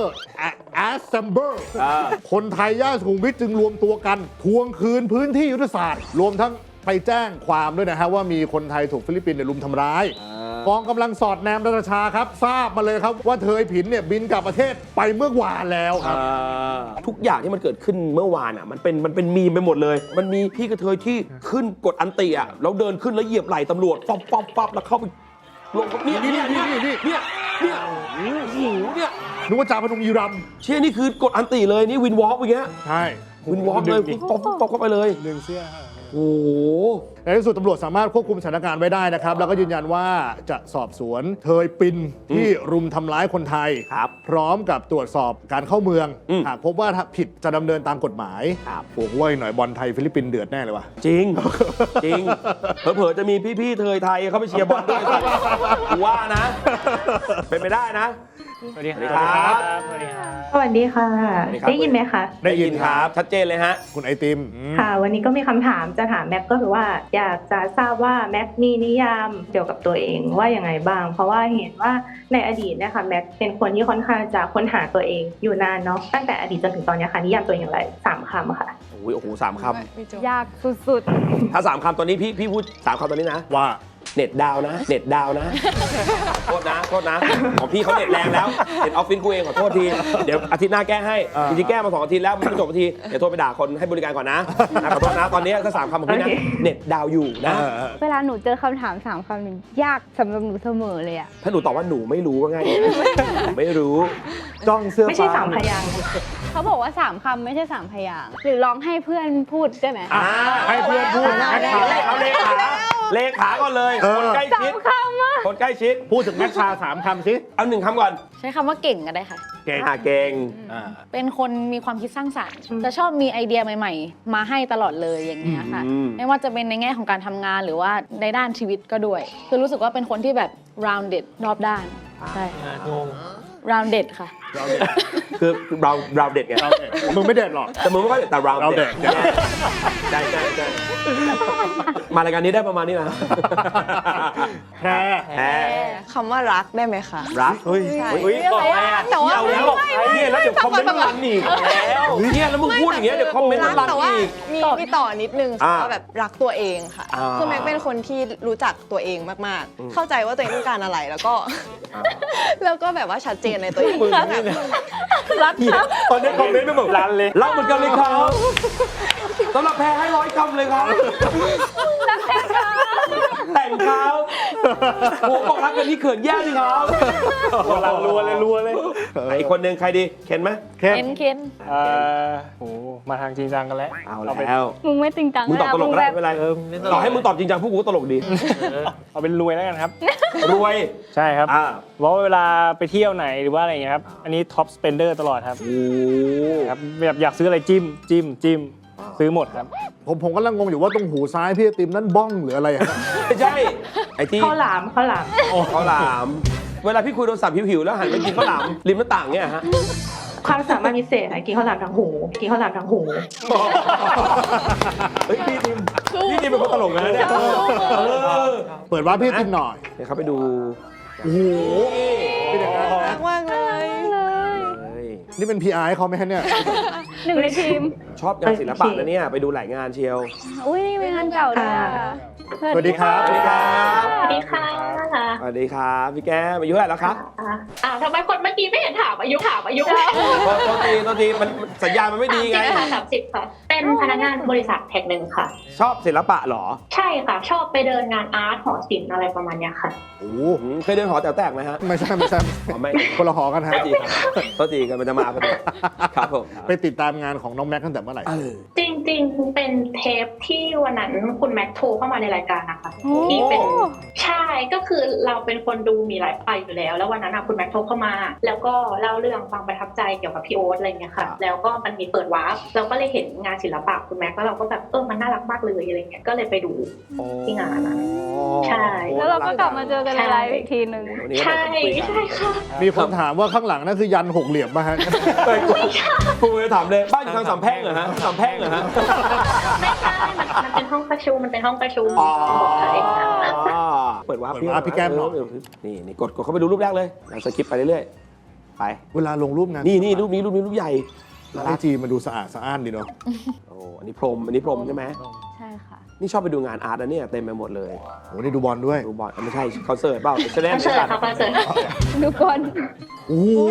Speaker 2: Assemble
Speaker 1: อ่า
Speaker 2: คนไทยย่านสุขุมวิทจึงรวมตัวกัน ทวงคืนพื้นที่ยุทธศาสตร์ รวมทั้งไปแจ้งความด้วยนะฮะว่ามีคนไทยถูกฟิลิปปินส์เนี่ยลุมทำร้าย กองกำลังสอดแนมนาตาชาครับ ทราบมาเลยครับว่าเธอผินเนี่ยบินกลับประเทศไปเมื่อวานแล้วครับ
Speaker 1: อ่าทุกอย่างที่มันเกิดขึ้นเมื่อวานอ่ะมันเป็นมันเป็นมีมไปหมดเลย มันมีพี่กระเทยที่ขึ้นกดอันติอ่ะแล้วเดินขึ้นแล้วเหยียบไหล่ตำรวจปั๊บปั๊บปั๊บแล้วเข้าไปลงเนี่ยเนี่ยเนี่ยเนี่ยเนี่ยเนี่ยโอ้โหเนี่ย
Speaker 2: นึกว่าจ่าพนมยีรัมย์
Speaker 1: เชี่ยนี่คือกดอันติเลยนี่วินวอล์กอย่างเงี้ย
Speaker 2: ใช่
Speaker 1: วินวอล์กเลยป๊อปป๊อปป๊อปเข้าไปเลย
Speaker 4: ดึงเสื้อ
Speaker 1: โอ้โห
Speaker 2: ในที่สุดตำรวจสามารถควบคุมสถานการณ์ไว้ได้นะครับ แล้วก็ยืนยันว่าจะสอบสวนเทยปินที่รุมทำร้ายคนไทย
Speaker 1: ครับ
Speaker 2: พร้อมกับตรวจสอบการเข้าเมือง
Speaker 1: อืม
Speaker 2: หากพบว่าถ้าผิดจะดำเนินตามกฎหมาย
Speaker 1: ครับ
Speaker 2: โอ้โหว่าอีกหน่อยบอลไทยฟิลิปปินส์เดือดแน่เลยว่ะ
Speaker 1: จริง จริง เผลอๆจะมีพี่ๆเทยไทยเข้าไปเชียร์บอลด้วยสัตว์กูว่านะ เป็นไปได้นะ
Speaker 4: สวัสดีค
Speaker 1: สวัสดี
Speaker 4: รั
Speaker 1: ครับ
Speaker 4: บ สวัสดีครับ
Speaker 7: สวัสดีค่ะ
Speaker 1: สวัสดีครับ
Speaker 7: ได้ยินไหมคะ
Speaker 2: ได้ยินครับ
Speaker 1: ชัดเจนเลยฮะ
Speaker 2: คุณไอติมอืม
Speaker 7: ค่ะ วันนี้ก็มีคำถามจะถามแม็กก็คือว่า อยากจะทราบว่าแม็กมีนิยามเกี่ยวกับตัวเองว่าอย่างไงบ้าง เพราะว่าเห็นว่าในอดีตเนะคะแม็กเป็นคนที่ค่อนข้างจะค้นหาตัวเองอยู่นานเนาะตั้งแต่อดีตจนถึงตอนนี้ค่ะนิยามตัวเองอย่างไรสามคำค่ะ
Speaker 1: โอ้ยโอ้โหสามค
Speaker 3: ยากสุด
Speaker 1: ำถ้าสามคำตอนนี้พี่พี่พูดสามคำตอนนี้นะ
Speaker 2: ว่า
Speaker 1: เน็ตดาวน์นะ เน็ตดาวน์นะ โทษนะ โทษนะ ของพี่เขาเน็ตแรงแล้ว เน็ตออฟฟิศกูเองขอโทษที เดี๋ยวอาทิตย์หน้าแก้ให้
Speaker 2: อ่า
Speaker 1: จริงๆแก้มาสองอาทิตย์แล้วมันไม่จบอาทิตย์เดี๋ยวโทรไปด่าคนให้บริการก่อนนะนะขอโทษนะ ตอนนี้ถ้าสามคำของพี่นะ
Speaker 7: โอเค
Speaker 1: เน็ตดาวน์อยู่นะ
Speaker 2: เออเออ
Speaker 3: ๆ เวลาหนูเจอคำถามสามคำหนึ่งยากสำหรับหนูเสมอเลยอะ
Speaker 1: ถ้าหนูตอบว่าหนูไม่รู้ก็ง่ายหนูไม่รู้
Speaker 2: จ้องเสื้อ
Speaker 7: ไม่ใช่
Speaker 2: ฟ้
Speaker 7: สามพยางค์
Speaker 3: เขาบอกว่าสามคำไม่ใช่สามพยางค์หรือลองให้เพื่อนพูดได้ไหม
Speaker 1: อ่า
Speaker 2: ให้เพื่อนพูด
Speaker 1: เอา
Speaker 2: แม็ก
Speaker 1: เล
Speaker 2: ชา
Speaker 1: ขเอาเลขาเลขาก่อนเลย
Speaker 2: เออ
Speaker 1: คนใกล้ชิด
Speaker 3: คำอะ
Speaker 1: คนใกล้ชิด
Speaker 2: พูดถึงแม็กชาสามคำสิ
Speaker 1: เอาหนึ่งคำก่อน
Speaker 8: ใช้คำว่าเก่งก็ได้ค่ะ
Speaker 2: เก่ง
Speaker 1: อ่าเก่ง
Speaker 2: อ่า
Speaker 8: เป็นคนมีความคิดสร้างสรรค์ จะชอบมีไอเดียใหม่ ๆ มาให้ตลอดเลยอย่างเงี้ยค่ะ
Speaker 1: อืม
Speaker 8: ไม่ว่าจะเป็นในแง่ของการทำงานหรือว่าในด้านชีวิตก็ด้วย คือรู้สึกว่าเป็นคนที่แบบ rounded รอบด้าน ใช่
Speaker 4: งง
Speaker 8: rounded ค่ะ
Speaker 1: คือเราเราเด็ดไง
Speaker 2: เราเด็ดมึงไม่เด็ดหรอก
Speaker 1: แต่มึงไม่ค่อยเด็ดแต่เรา
Speaker 2: เราเด็ด
Speaker 1: ใช่ใช่ใช่มารายการนี้ได้ประมาณนี้นะ
Speaker 2: แค่
Speaker 1: แพ้
Speaker 5: คำว่ารักได้ไหมคะ
Speaker 1: รักเฮ้ย
Speaker 5: ใช่
Speaker 1: เฮ้ยบอกไงอ่ะ
Speaker 5: แต่ว่า
Speaker 1: เอาแล้วบอกเนี่ยแล้วเดี๋ยวคอมเมนต์มันรันอีกแล้วเนี่ยแล้วมึงพูดอย่างเงี้ยเดี๋ยวคอมเมนต์มันรัน
Speaker 5: แต่ว่า
Speaker 1: อีก
Speaker 5: มีมีต่อนิดนึง
Speaker 1: อ่า
Speaker 5: ว่าแบบรักตัวเองค่ะ
Speaker 1: อ่า
Speaker 5: คือแม็กเป็นคนที่รู้จักตัวเองมาก
Speaker 1: อืม
Speaker 5: ๆ เข้าใจว่าตัวเองต้องการอะไรแล้วก็
Speaker 1: อ่า
Speaker 5: แล้วก็แบบว่าชัดเจนในตัวเอง
Speaker 1: มึง
Speaker 5: แบบ
Speaker 1: เนี่ย
Speaker 8: รักครับ
Speaker 1: ตอนนี้คอมเมนต์ไม่บอกรันเลยรักเหมือนกันเลยครับสำหรับแพ้ให้ร้อยคำเลยครับแต่งครับโอ้บอกรักกันนี่เขินแย่ดิครับ
Speaker 4: กำลังรัวเลยรัวเลย
Speaker 1: ไอ้คนหนึ่งใครดีเคนไหม
Speaker 2: เคน
Speaker 8: เคนเคน
Speaker 4: เอ่อโหมาทางจริงจังกันแล้ว
Speaker 1: เอา
Speaker 4: ไป
Speaker 1: แล้ว
Speaker 3: มึงไม่จริงจัง
Speaker 1: มึงตอบตลกก็ได้ไม่เป็นไร
Speaker 6: เออไม่ตลก
Speaker 1: ต่อให้มึงตอบจริงจังพวกกูก็ตลกดี
Speaker 4: เอาเป็นรวยแล้วกันครับ
Speaker 1: รวย
Speaker 4: ใช่ครับ
Speaker 1: อ่า
Speaker 4: เพราะว่าเวลาไปเที่ยวไหนหรือว่าอะไรอย่างเงี้ยครับ อันนี้ท็อปสเปนเดอร์ตลอดครับ
Speaker 1: โอ้
Speaker 4: ครับแบบอยากซื้ออะไรจิ้มจิ้มจิ้มซื้อหมดครับ
Speaker 2: ผมผมกำลังงงอยู่ว่าตรงหูซ้ายพี่ไอติมนั่นบ้องหรืออะไรอะ
Speaker 1: ไม่ใช่ไอ้ที่
Speaker 7: ข้าวหลามข้าวหลาม
Speaker 1: ข้าวหลาม เวลาพี่คุยโทรศัพท์หิวๆแล้วหันไปกินข้าวหลามริมหน้าต่างเนี่ยฮะ
Speaker 7: ความสามารถพิเศษอะกินข้าวหลามทั้งหูกินข้าวหลามทั้งหู
Speaker 1: เฮ้ยพี่ดิมพี่ดิมเป็นคนตลกนะเนี่ยเออ
Speaker 2: เปิดว่าพี่ไอติมหน่อย
Speaker 1: เดี๋ยวเขาไปดู
Speaker 2: โอ้โหเป็นอย่างนั้นนะ
Speaker 5: มากเลย
Speaker 1: เฮ้ย
Speaker 2: นี่เป็น พี อาร์ ให้เขาไหมฮะเนี่ย
Speaker 3: หนึ่งในทีม
Speaker 1: ชอบงานศิลปะนะเนี่ยไปดูหลายงานเชียว
Speaker 3: อุ้ยนี่เป็นงานเก่าด้วยอะ
Speaker 2: สวัสดีครับ
Speaker 1: สวัสดีครับ
Speaker 7: สวัสดีค่ะ
Speaker 1: สวัสดีครับพี่แก้มอายุเท่าไหร่แล้วครับ
Speaker 7: อ่าอ่าทำไมคนเมื่อกี้ไม่เห็นถามอายุถามอายุ
Speaker 1: โทษโทษทีโทษทีมันสัญญาณมันไม่ดีไง
Speaker 7: สามสิบค่ะ เป็นพนักงานบริษัทแห่งหนึ่งค่ะ
Speaker 1: ชอบศิลปะเหรอ
Speaker 7: ใช่ค่ะ ชอบไปเดินงานอาร์ตหอศิลป์อะไรประมาณเนี้ยค่ะ
Speaker 2: โอ้
Speaker 1: อืมเคยเดินหอแต๋วแตกไหมฮะ
Speaker 2: ไม่ใช่ไม่ใช่
Speaker 1: อ๋อไม่
Speaker 2: คนละหอกันฮะ
Speaker 1: โทษทีครับโทษทีกันมันจะมาพอดีครับผม
Speaker 2: ไปติดตามงานของน้องแม็กตั้งแต่เมื่อไหร่
Speaker 1: เออ
Speaker 7: จริงๆ เป็นเทปที่วันนั้นคุณแม็กโทรเข้ามาในรายการนะคะ
Speaker 3: โอ้
Speaker 7: ที่เป็นใช่ก็คือเราเป็นคนดูมีหลายไปอยู่แล้ว แล้ววันนั้นอะคุณแม็กโทรเข้ามา แล้วก็เล่าเรื่องความประทับใจเกี่ยวกับพี่โอ๊ตอะไรเงี้ยค่ะ แล้วก็มันมีเปิดวาร์ปเราก็เลยเห็นงานศิลปะคุณแม็กแล้วเราก็แบบเออมันน่ารักมากเลยอะไรเงี้ยก็เลยไปดู ที่งานนั้นใช่
Speaker 3: แล้วเราก็กลับมาเจอกันในไลฟ์อีกทีหนึ่ง
Speaker 1: วันนี้
Speaker 7: ใช่
Speaker 1: เราจะคุยกัน
Speaker 7: ใช่ค่ะ
Speaker 2: มีคนถามว่าข้างหลังนั่นคือยันหกเหลี่ยมป่ะฮะ
Speaker 1: เฮ้ยกูกูจะถามเลยบ้านอยู่ทางสามแพร่งเหรอฮะสามแพร่งเหรอฮะ
Speaker 7: ไม่ใช่มันมันเป็นห้องประชุมมันเป็นห้องประชุม
Speaker 1: อ๋อ
Speaker 7: บอกใคร
Speaker 1: เปิดวาร์ป
Speaker 2: เปิดวาร์ปพี่แก้มหน่อย
Speaker 1: เนี่นี่กดกดเข้าไปดูรูปแรกเลยเราสกิปไปเรื่อยๆไป
Speaker 2: เวลาลงรูปงาน
Speaker 1: นี่นี่รูปนี้รูปนี้รูปใหญ่
Speaker 2: ไอจีมันดูสะอาดสะอ้านดีเนาะ
Speaker 1: โอ้อันนี้พรหมอันนี้พรหมใช่ไหม
Speaker 3: ใช่ค่ะ
Speaker 1: นี่ชอบไปดูงานอาร์ตนะเนี่ยเต็มไปหมดเลย
Speaker 2: โอ้นี่ดูบอลด้วย
Speaker 1: ดูบอลไม่ใช่คอนเสิร์ตเปล่าแสดง
Speaker 7: คอนเสิร์ตค่ะคอนเสิร์ต
Speaker 3: ดูก่อน
Speaker 2: โอ้โห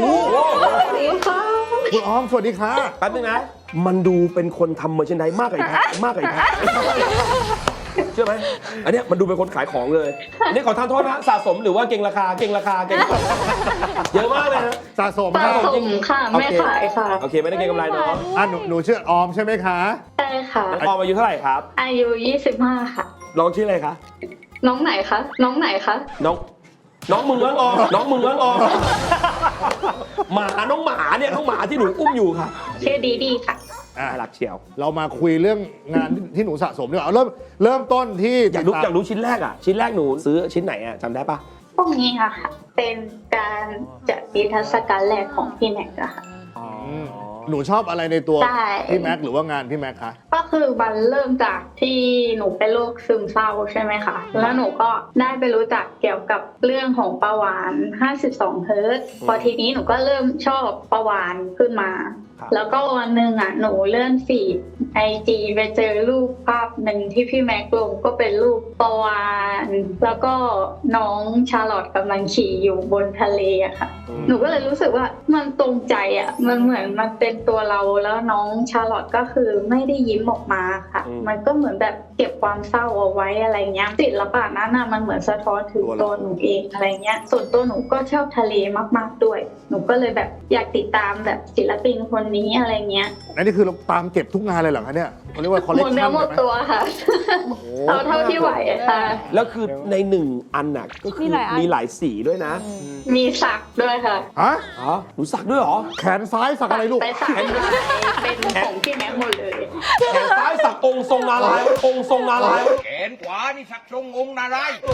Speaker 2: คุณออมสวัสดีค่ะ
Speaker 1: แป๊บนึงนะ มันดูเป็นคนทำเมอร์เชนไดมากกว่าไอ้แพะมากกว่าไอ้แพะเชื่อไหมอันเนี้ยมันดูเป็นคนขายของเลยอันนี้ขอทานโทษนะสะสมหรือว่าเก่งราคาเก่งราคาเก่งราคาเยอะมากเลยนะ
Speaker 2: สะสม
Speaker 7: สะ
Speaker 2: ครับ
Speaker 7: สมค่ะไม่ขายค่ะ
Speaker 1: โอเคไม่ได้เก่งกำไรเนาะ
Speaker 2: อ่ะหนูหนูชื่อออมใช่ไหมคะ
Speaker 7: ใช่ค่ะ
Speaker 1: น้องออมอายุเท่าไหร่ครับ
Speaker 7: อายุยี่สิบห้าค่ะ
Speaker 1: น้องชื่ออะไรคะ
Speaker 7: น้องไหนคะ น้องไหนคะ
Speaker 1: น้องน้องมึงน้องออมน้องมึงน้องออมหมาน้องหมาเนี่ยน้องหมาที่หนูอุ้มอยู่ค่ะ
Speaker 7: ชื่อดีดีค่ะ
Speaker 2: อ่ะ
Speaker 1: น่ารักเชียว
Speaker 2: เรามาคุยเรื่องงานที่หนูสะสมดีกว่าเอาเริ่มเริ่มต้นที่
Speaker 1: อยากรู้
Speaker 2: ติดตม
Speaker 1: อยากรู้ชิ้นแรกอ่ะชิ้นแรกหนูซื้อชิ้นไหนอ่ะจำได้ปะ
Speaker 7: พวกนี้ค่ะ เป็นการจัดนิทรรศการแรกของพี่แม็กซ์อะค่ะ
Speaker 2: อืมหนูชอบอะไรในตัว
Speaker 7: ใช่
Speaker 2: พี่แม็กหรือว่างานพี่แม็กคะ
Speaker 7: ก็คือมันเริ่มจากที่หนูเป็นโรคซึมเศร้าใช่ไหมคะ แล้วหนูก็ได้ไปรู้จักเกี่ยวกับเรื่องของประวานห้าสิบสองเฮิร์ตซ์พอทีนี้หนูก็เริ่มชอบประวานขึ้นมา แล้วก็วันหนึ่งอ่ะหนูเลื่อนฟีดไอจีไปเจอรูปภาพหนึ่งที่พี่แม็กลงก็เป็นรูปประวานแล้วก็น้องชาร์ลอตกำลังขี่อยู่บนทะเลอะค่ะ หนูก็เลยรู้สึกว่ามันตรงใจอ่ะ มันเหมือนมันเป็นตัวเราแล้วน้องชาร์ลอตก็คือไม่ได้ยิ้มออกมาค่ะ มันก็เหมือนแบบเก็บความเศร้าเอาไว้อะไรเงี้ยศิลปะนั้นน่ะมันเหมือนสะท้อนถึงตัวหนูเองอะไรเงี้ย ส่วนตัวหนูก็ชอบทะเลมากๆด้วย หนูก็เลยแบบอยากติดตามแบบศิลปินคนนี้อะไรเงี้ย
Speaker 2: อันนี้คือเราตามเก็บทุกงานเลยเหรอคะเนี่ยเขาเรียกว่าคอลเล
Speaker 7: ห
Speaker 2: ก
Speaker 7: ม
Speaker 2: ชั
Speaker 7: ด
Speaker 2: น
Speaker 7: เนื้อหมดตัวค่ะ เอาเท่าที่ไหวอะค่ะ
Speaker 1: แล้วคือในหนึ่งอันน่ะก็คือ
Speaker 3: มีหลายอัน
Speaker 1: มีหลายสีด้วยนะ
Speaker 7: มีสักด้วยค่ะ
Speaker 2: ฮะ
Speaker 1: อ๋อหนูสักด้วยเหรอ
Speaker 2: แขนซ้ายสักอะไรลูก
Speaker 7: ไปสักลายเป็นของพี่แม็กหมดเลย
Speaker 1: แขนซ้ายสักองค์ทรงนารายณ์องค์ทรงนารายณ์
Speaker 9: แขนขวานี่สักทรงองค์นารายณ์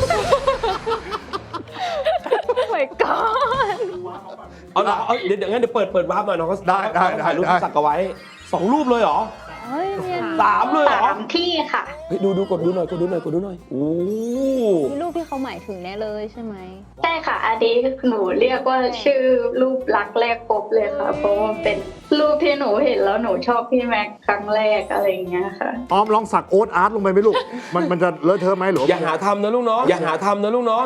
Speaker 3: โอ้ my god
Speaker 1: เอาละเอาเดี๋ยวเดี๋ยวงั้นเดี๋ยวเปิดเปิดวาร์ปหน่อยน้องก็
Speaker 2: ได้ได้ได้
Speaker 1: ถ่ายรูป
Speaker 2: ได้
Speaker 1: สักเอาไว้สองรูปเลยเหรอ
Speaker 3: เฮ้ยเรียน
Speaker 1: สามเลยเหรอ
Speaker 7: สามที่ค่ะ
Speaker 1: เฮ้ยดูดูกดดูหน่อยกดดูหน่อยกดดูหน่อยโอ้
Speaker 3: มีรูปที่เขาหมายถึงแน่เลยใช่ไหม
Speaker 7: ใช่ค่ะอันนี้หนูเรียกว่าชื่อรูปรักแรกพบเลยค่ะ เพราะว่าเป็นรูปที่หนูเห็นแล้วหนูชอบพี่แม็กครั้งแรกอะไรอย่างเงี้ยค่ะ
Speaker 2: ออมลองสักโอ๊ตอาร์ตลงไปไหมลูก มันมันจะเลอะเทอะไหมหรือ
Speaker 1: อย่าหาทำนะลูกเนาะอย่าหาทำนะลูกเนาะ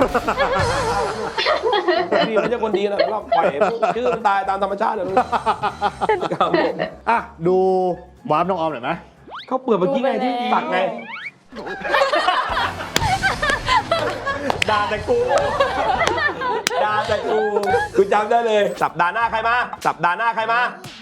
Speaker 1: พี่ไม่ใช่คนดีนะเราปล่อยชื่อมันตายตามธรรมชาติเลยลูกครับผม
Speaker 2: อ่ะดูวาร์ปน้องออมหน่อยไหม
Speaker 1: เขาเปิดเมื่อกี้ไงที่สักไงด่าแต่กูด่าแต่กูกูจำได้เลยสัปดาห์หน้าใครมาสัปดาห์หน้าใครมา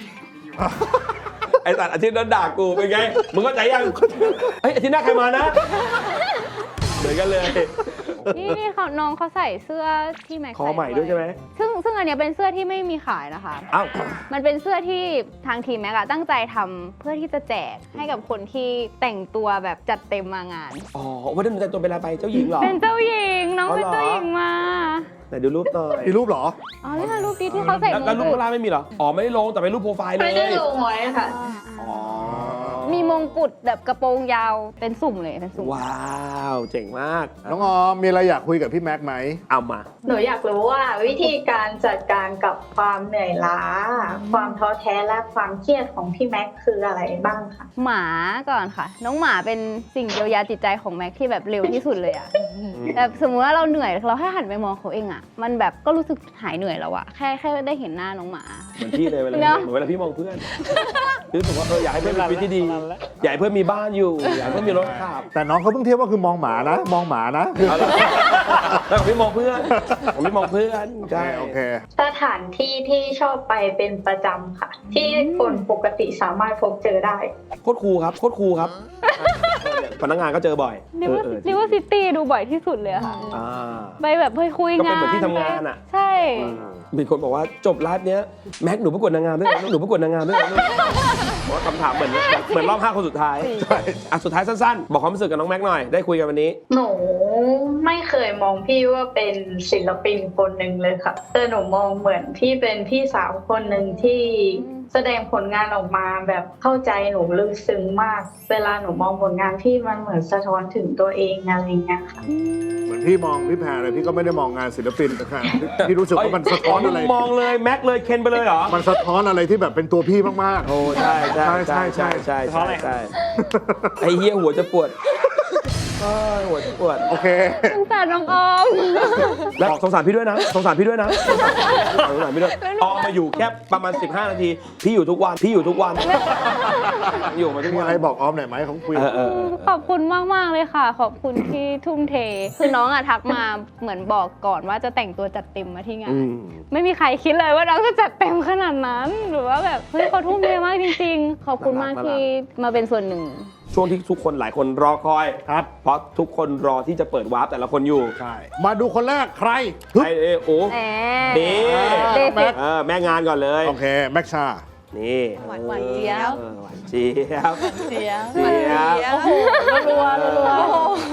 Speaker 1: ไอ้สัตว์อาทิตย์นั้นด่ากูเป็นไงมึงเข้าใจยังเฮ้ยอาทิตย์หน้าใครมานะเหมือนกันเลย
Speaker 3: นี่นี่เขาน้องเขาใส่เสื้อที่แม็ก
Speaker 1: คอใหม่ด้วยใช่ไหม
Speaker 3: ซึ่งซึ่งอันเนี้ยเป็นเสื้อที่ไม่มีขายนะคะ
Speaker 1: อ้าว
Speaker 3: มันเป็นเสื้อที่ทางทีมแม็กอะตั้งใจทำเพื่อที่จะแจกให้กับคนที่แต่งตัวแบบจัดเต็มมางาน
Speaker 1: อ๋อวันนั้นหนูแต่งตัวเป็นอะไรไปเจ้าหญิงเหรอ
Speaker 3: เป็นเจ้าหญิงน้อง
Speaker 1: อ๋อ
Speaker 3: เป็น
Speaker 1: เหรอ
Speaker 3: เจ้าหญิงมา
Speaker 1: ไหนดูรูปหน่อย
Speaker 2: มีรูปเหรอ
Speaker 3: อ๋อนี่ค่ะรูปนี้ที่เขาใส่
Speaker 1: แล้ว
Speaker 3: ม
Speaker 1: แล้ว
Speaker 3: ง
Speaker 1: รูป
Speaker 3: กุฎ
Speaker 1: ข้างล่างไม่มีเหรออ๋อไม่ได้ลงแต่เป็นรูปโปรไฟล์เลย
Speaker 7: ไม่ได้ลงไว้ค่ะ
Speaker 1: อ๋อ
Speaker 3: มีมงกุฎแบบกระโปรงยาวเป็นสุ่มเลยเป็นสุ่ม
Speaker 1: ว้าวเจ๋งมาก
Speaker 2: น้องออมมีอะไรอยากคุยกับพี่แม็กไหม
Speaker 1: เอามา
Speaker 7: หนูอยากรู้ว่าวิธีการจัดการกับความเหนื่อยล้า ความท้อแท้และความเครียดของพี่แม็กคืออะไรบ้างคะ
Speaker 3: หมาก่อนค่ะ น้องหมาเป็นสิ่งเยียวยาจิตใจของแม็กที่แบบเร็วที่สุดเลยอะแบบสมมติว่าเราเหนื่อยเราแค่หันไปมองเขาเองอะมันแบบก็รู้สึกหายเหนื่อยแล้วอะแค่แค่ได้เห็นหน้าน้องหมา
Speaker 1: เหมือนพี่เลยเวลา
Speaker 3: เนอะ
Speaker 1: เหมือนเวลาพี่มองเพื่อนรู้สึกว่าเอออยากให้เพื่อนมีชีวิตที่ดีอยากให้เพื่อนมีบ้านอยู่อยากให้เพื่อนมีรถขับ
Speaker 2: แต่น้องเขาเพิ่งเทียบว่าคือมองหมานะ มองหมานะ
Speaker 1: เอาล่ะแล้วของพี่มองเพื่อนของพี่มองเพื่อน
Speaker 2: โอเค
Speaker 1: ใช่
Speaker 2: โอเค
Speaker 7: สถานที่ที่ชอบไปเป็นประจำค่ะ ที่คนปกติสามารถพบเจอได้
Speaker 1: โคตรครูครับโคตรครูครับพนักงานก็เจอบ่อย
Speaker 3: ริเวอร์
Speaker 1: เออเออ
Speaker 3: ริเวอร์ซิตี้ดูบ่อยที่สุดเลยอะค่ะ
Speaker 1: อ่า
Speaker 3: ไปแบบไปคุย
Speaker 1: ก็
Speaker 3: งาน
Speaker 1: เป็นเหมือนที่ทำงานอะ
Speaker 3: ใช่
Speaker 1: มีคนบอกว่าจบไลฟ์เนี้ยแม็กหนูประกวดนางงามด้วยนะหนูประกวดนางงามด้วยนะบอกว่าคำถามเหมือนเหมือนรอบห้าคนสุดท้ายอ่ะสุดท้ายสั้นๆ บอกความรู้สึกกับน้องแม็กหน่อยได้คุยกันวันนี้
Speaker 7: หนูไม่เคยมองพี่ว่าเป็นศิลปินคนหนึ่งเลยค่ะ แต่หนูมองเหมือนพี่เป็นพี่สาวคนหนึ่งที่แสดงผลงานออกมาแบบเข้าใจหนูลึกซึ้งมาก เวลาหนูมองผลงานพี่มันเหมือนสะท้อนถึงตัวเองอะไรเงี้ยค่ะ
Speaker 2: เหมือนพี่มองพี่แพรเลยพี่ก็ไม่ได้มองงานศิลปินนะครับพี่รู้สึกว่ามันสะท้อนอะไร
Speaker 1: มองเลยแม็กเลยเคนไปเลยเหรอ
Speaker 2: มันสะท้อนอะไรที่แบบเป็นตัวพี่มาก
Speaker 1: โอ้ใช่ใช่ใช่ใช่ใช่ใช่ใช่ไอ้เหี้ยหัวจะปวดเอ้ยหัวจะปวด
Speaker 2: ๆ โอเค
Speaker 3: สงสารน้องออม
Speaker 1: แล้วสงสารพี่ด้วยนะสงสารพี่ด้วยนะสงสารพี่ด้วยออกมาอยู่แค่ประมาณสิบห้านาทีพี่อยู่ทุกวันพี่อยู่ทุกวันอยู่มาทุก
Speaker 2: มี
Speaker 1: วัน
Speaker 2: อะไรบอกออมหน่อยไหมเขาคุย
Speaker 1: เออเออเออ
Speaker 3: ขอบคุณมาก ๆ เลยค่ะ ขอบคุณที่ทุ่มเท คือน้องอะทักมาเหมือนบอกก่อนว่าจะแต่งตัวจัดเต็มมาที่งาน
Speaker 1: อืม
Speaker 3: ไม่มีใครคิดเลยว่าน้องจะจัดเต็มขนาดนั้น หรือว่าแบบเฮ้ยเขาทุ่มเทมากจริง ๆ ขอบคุณมากที่มาเป็นส่วนหนึ่ง
Speaker 1: ช่วงที่ทุกคนหลายคนรอคอย
Speaker 2: ครับ
Speaker 1: เพราะทุกคนรอที่จะเปิดวาร์ปแต่ละคนอยู่
Speaker 2: ใช่ มาดูคนแรกใครฮึบ
Speaker 1: ไอเอโอ
Speaker 3: แหม
Speaker 1: นี่
Speaker 3: เบสิก
Speaker 1: เออแม่งานก่อนเลย
Speaker 2: โอเค แม็กชา
Speaker 1: นี่
Speaker 8: หวานหวานเจี๊ยบ
Speaker 1: ออหวานเจี๊ยบ
Speaker 8: เสียง
Speaker 1: เจี๊ยบ
Speaker 8: โอ้โหรัวๆรัว
Speaker 1: เอ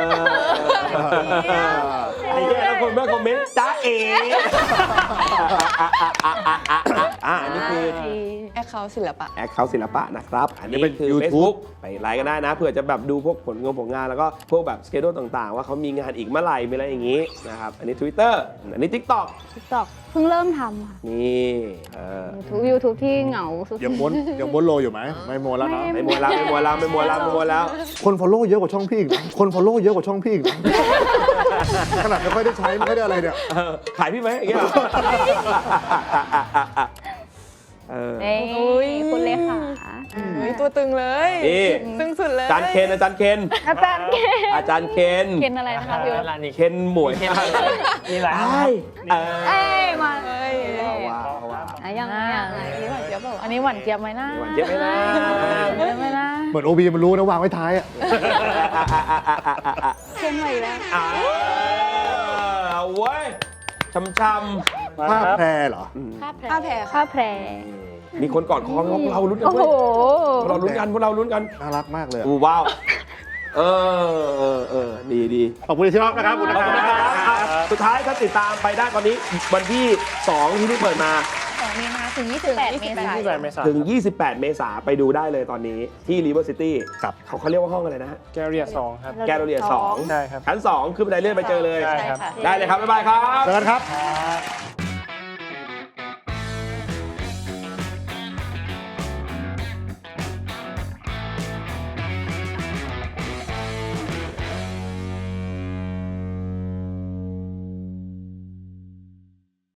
Speaker 1: อไอ้เหี้ยแล้วคนเมื่อคอมเมนต์จ้าเอ๋อ่ะอันนี้คือ
Speaker 5: แอคเคาท์ศิลปะ
Speaker 1: แอคเคาท์ศิลปะนะครับ อันนี้
Speaker 2: อันนี้เป็น
Speaker 1: คือ
Speaker 2: YouTube
Speaker 1: Facebook ไปไลค์กันได้นะเผื่อจะแบบดูพวกผลงานผลงานแล้วก็พวกแบบสเกดูต่างๆ ว่าเขามีงานอีกเมื่อไหร่มีอะไรอย่างนี้นะครับอันนี้ Twitter อันนี้ TikTok
Speaker 3: TikTok เพิ่งเริ่มทำค่ะ
Speaker 1: นี่เออ
Speaker 3: YouTube YouTube ที่เหงาสุดๆ
Speaker 2: ยังม้วนยังม้วนโลอยู่ไหม ไม่ม้วนแล้วนะ
Speaker 1: ไม่มัวแล้วไม่มัวแล้วไม่มัวแล้วไม่มัวแล้ว
Speaker 2: คนฟอลโล่เยอะกว่าช่องพี่อีกนะคนฟอลโล่เยอะกว่าช่องพี่อีกนะขนาดไม่ค่อยได้ใช้ไม่ค่อยได้อะไรเนี่ย
Speaker 1: เออขายพี่ไหมอย่างเงี้ยเหรอเออ
Speaker 3: เอ้ยคุณเลขา
Speaker 5: เฮ้ย ตัวตึงเลย
Speaker 1: นี่
Speaker 5: ตึงสุดเลย
Speaker 1: อาจารย์เคนอาจารย์เคน
Speaker 3: อาจารย์เคน
Speaker 1: อาจารย์เคน
Speaker 3: เคนอะไรนะคะพี่
Speaker 6: ร้านนี้
Speaker 1: เคนหมวย
Speaker 4: มีหลาย
Speaker 1: ไอ้เออ
Speaker 3: เอ้ยมา
Speaker 5: เฮ้ย
Speaker 1: ว้าวว้าว
Speaker 3: อ่ะยังไง
Speaker 8: อ่า
Speaker 3: ยังไง
Speaker 8: อันนี้หวานเจี๊ยบเปล่าอันนี้หวานเจี๊ยบไหมนะ
Speaker 1: หวานเจี๊ยบไหมนะ
Speaker 8: เจี๊ยบไหมนะ
Speaker 2: เหมือนโอบีมันรู้นะวางไว้ท้ายอะ
Speaker 3: เคนใหม่แล้ว
Speaker 1: อ่าเอาเว้ยช้ำ
Speaker 2: ภาพแพรเหรอ
Speaker 3: ภาพแพร
Speaker 5: ผ้าแผ่
Speaker 3: ภาพแพร
Speaker 1: ๆมีคนกอดคอพวกเราลุ้นกัน
Speaker 3: โอ้
Speaker 1: เว้
Speaker 3: โห
Speaker 1: ยพวกเราลุ้นกันพวกเราลุ้นกัน
Speaker 2: น่ารักมากเลยอะ
Speaker 1: อู้ว้าวเออเออเออดีดี
Speaker 2: ขอบคุณที่ชอบนะครับขอบคุณ
Speaker 1: ขอบคุณ
Speaker 2: นะ
Speaker 1: นะ
Speaker 2: ค
Speaker 1: ค
Speaker 2: รั
Speaker 1: รับบ สุดท้ายถ้าติดตามไปได้ตอนนี้วันที่สองที่เพิ่งเปิดมา
Speaker 8: สองมีนาถึงยี่สิบแปดเมษาย
Speaker 4: ที่
Speaker 8: น
Speaker 4: แบบเมษา
Speaker 1: ถึง ยี่สิบแปด เมษาไปดูได้เลยตอนนี้ที่ River City
Speaker 2: ครับ
Speaker 1: เขาเขาเรียกว่าห้องอะไรนะ
Speaker 4: แกเรียสองครับ
Speaker 1: แกลเลียสอง
Speaker 4: ใช่ครับ
Speaker 1: ชั้นสองขึ้นบันไดเลื่อนไปเจอเลย
Speaker 4: ใช่ครับ
Speaker 1: ได้เลยครับ บ๊ายบายครับ
Speaker 2: เจอกันครับ
Speaker 4: ค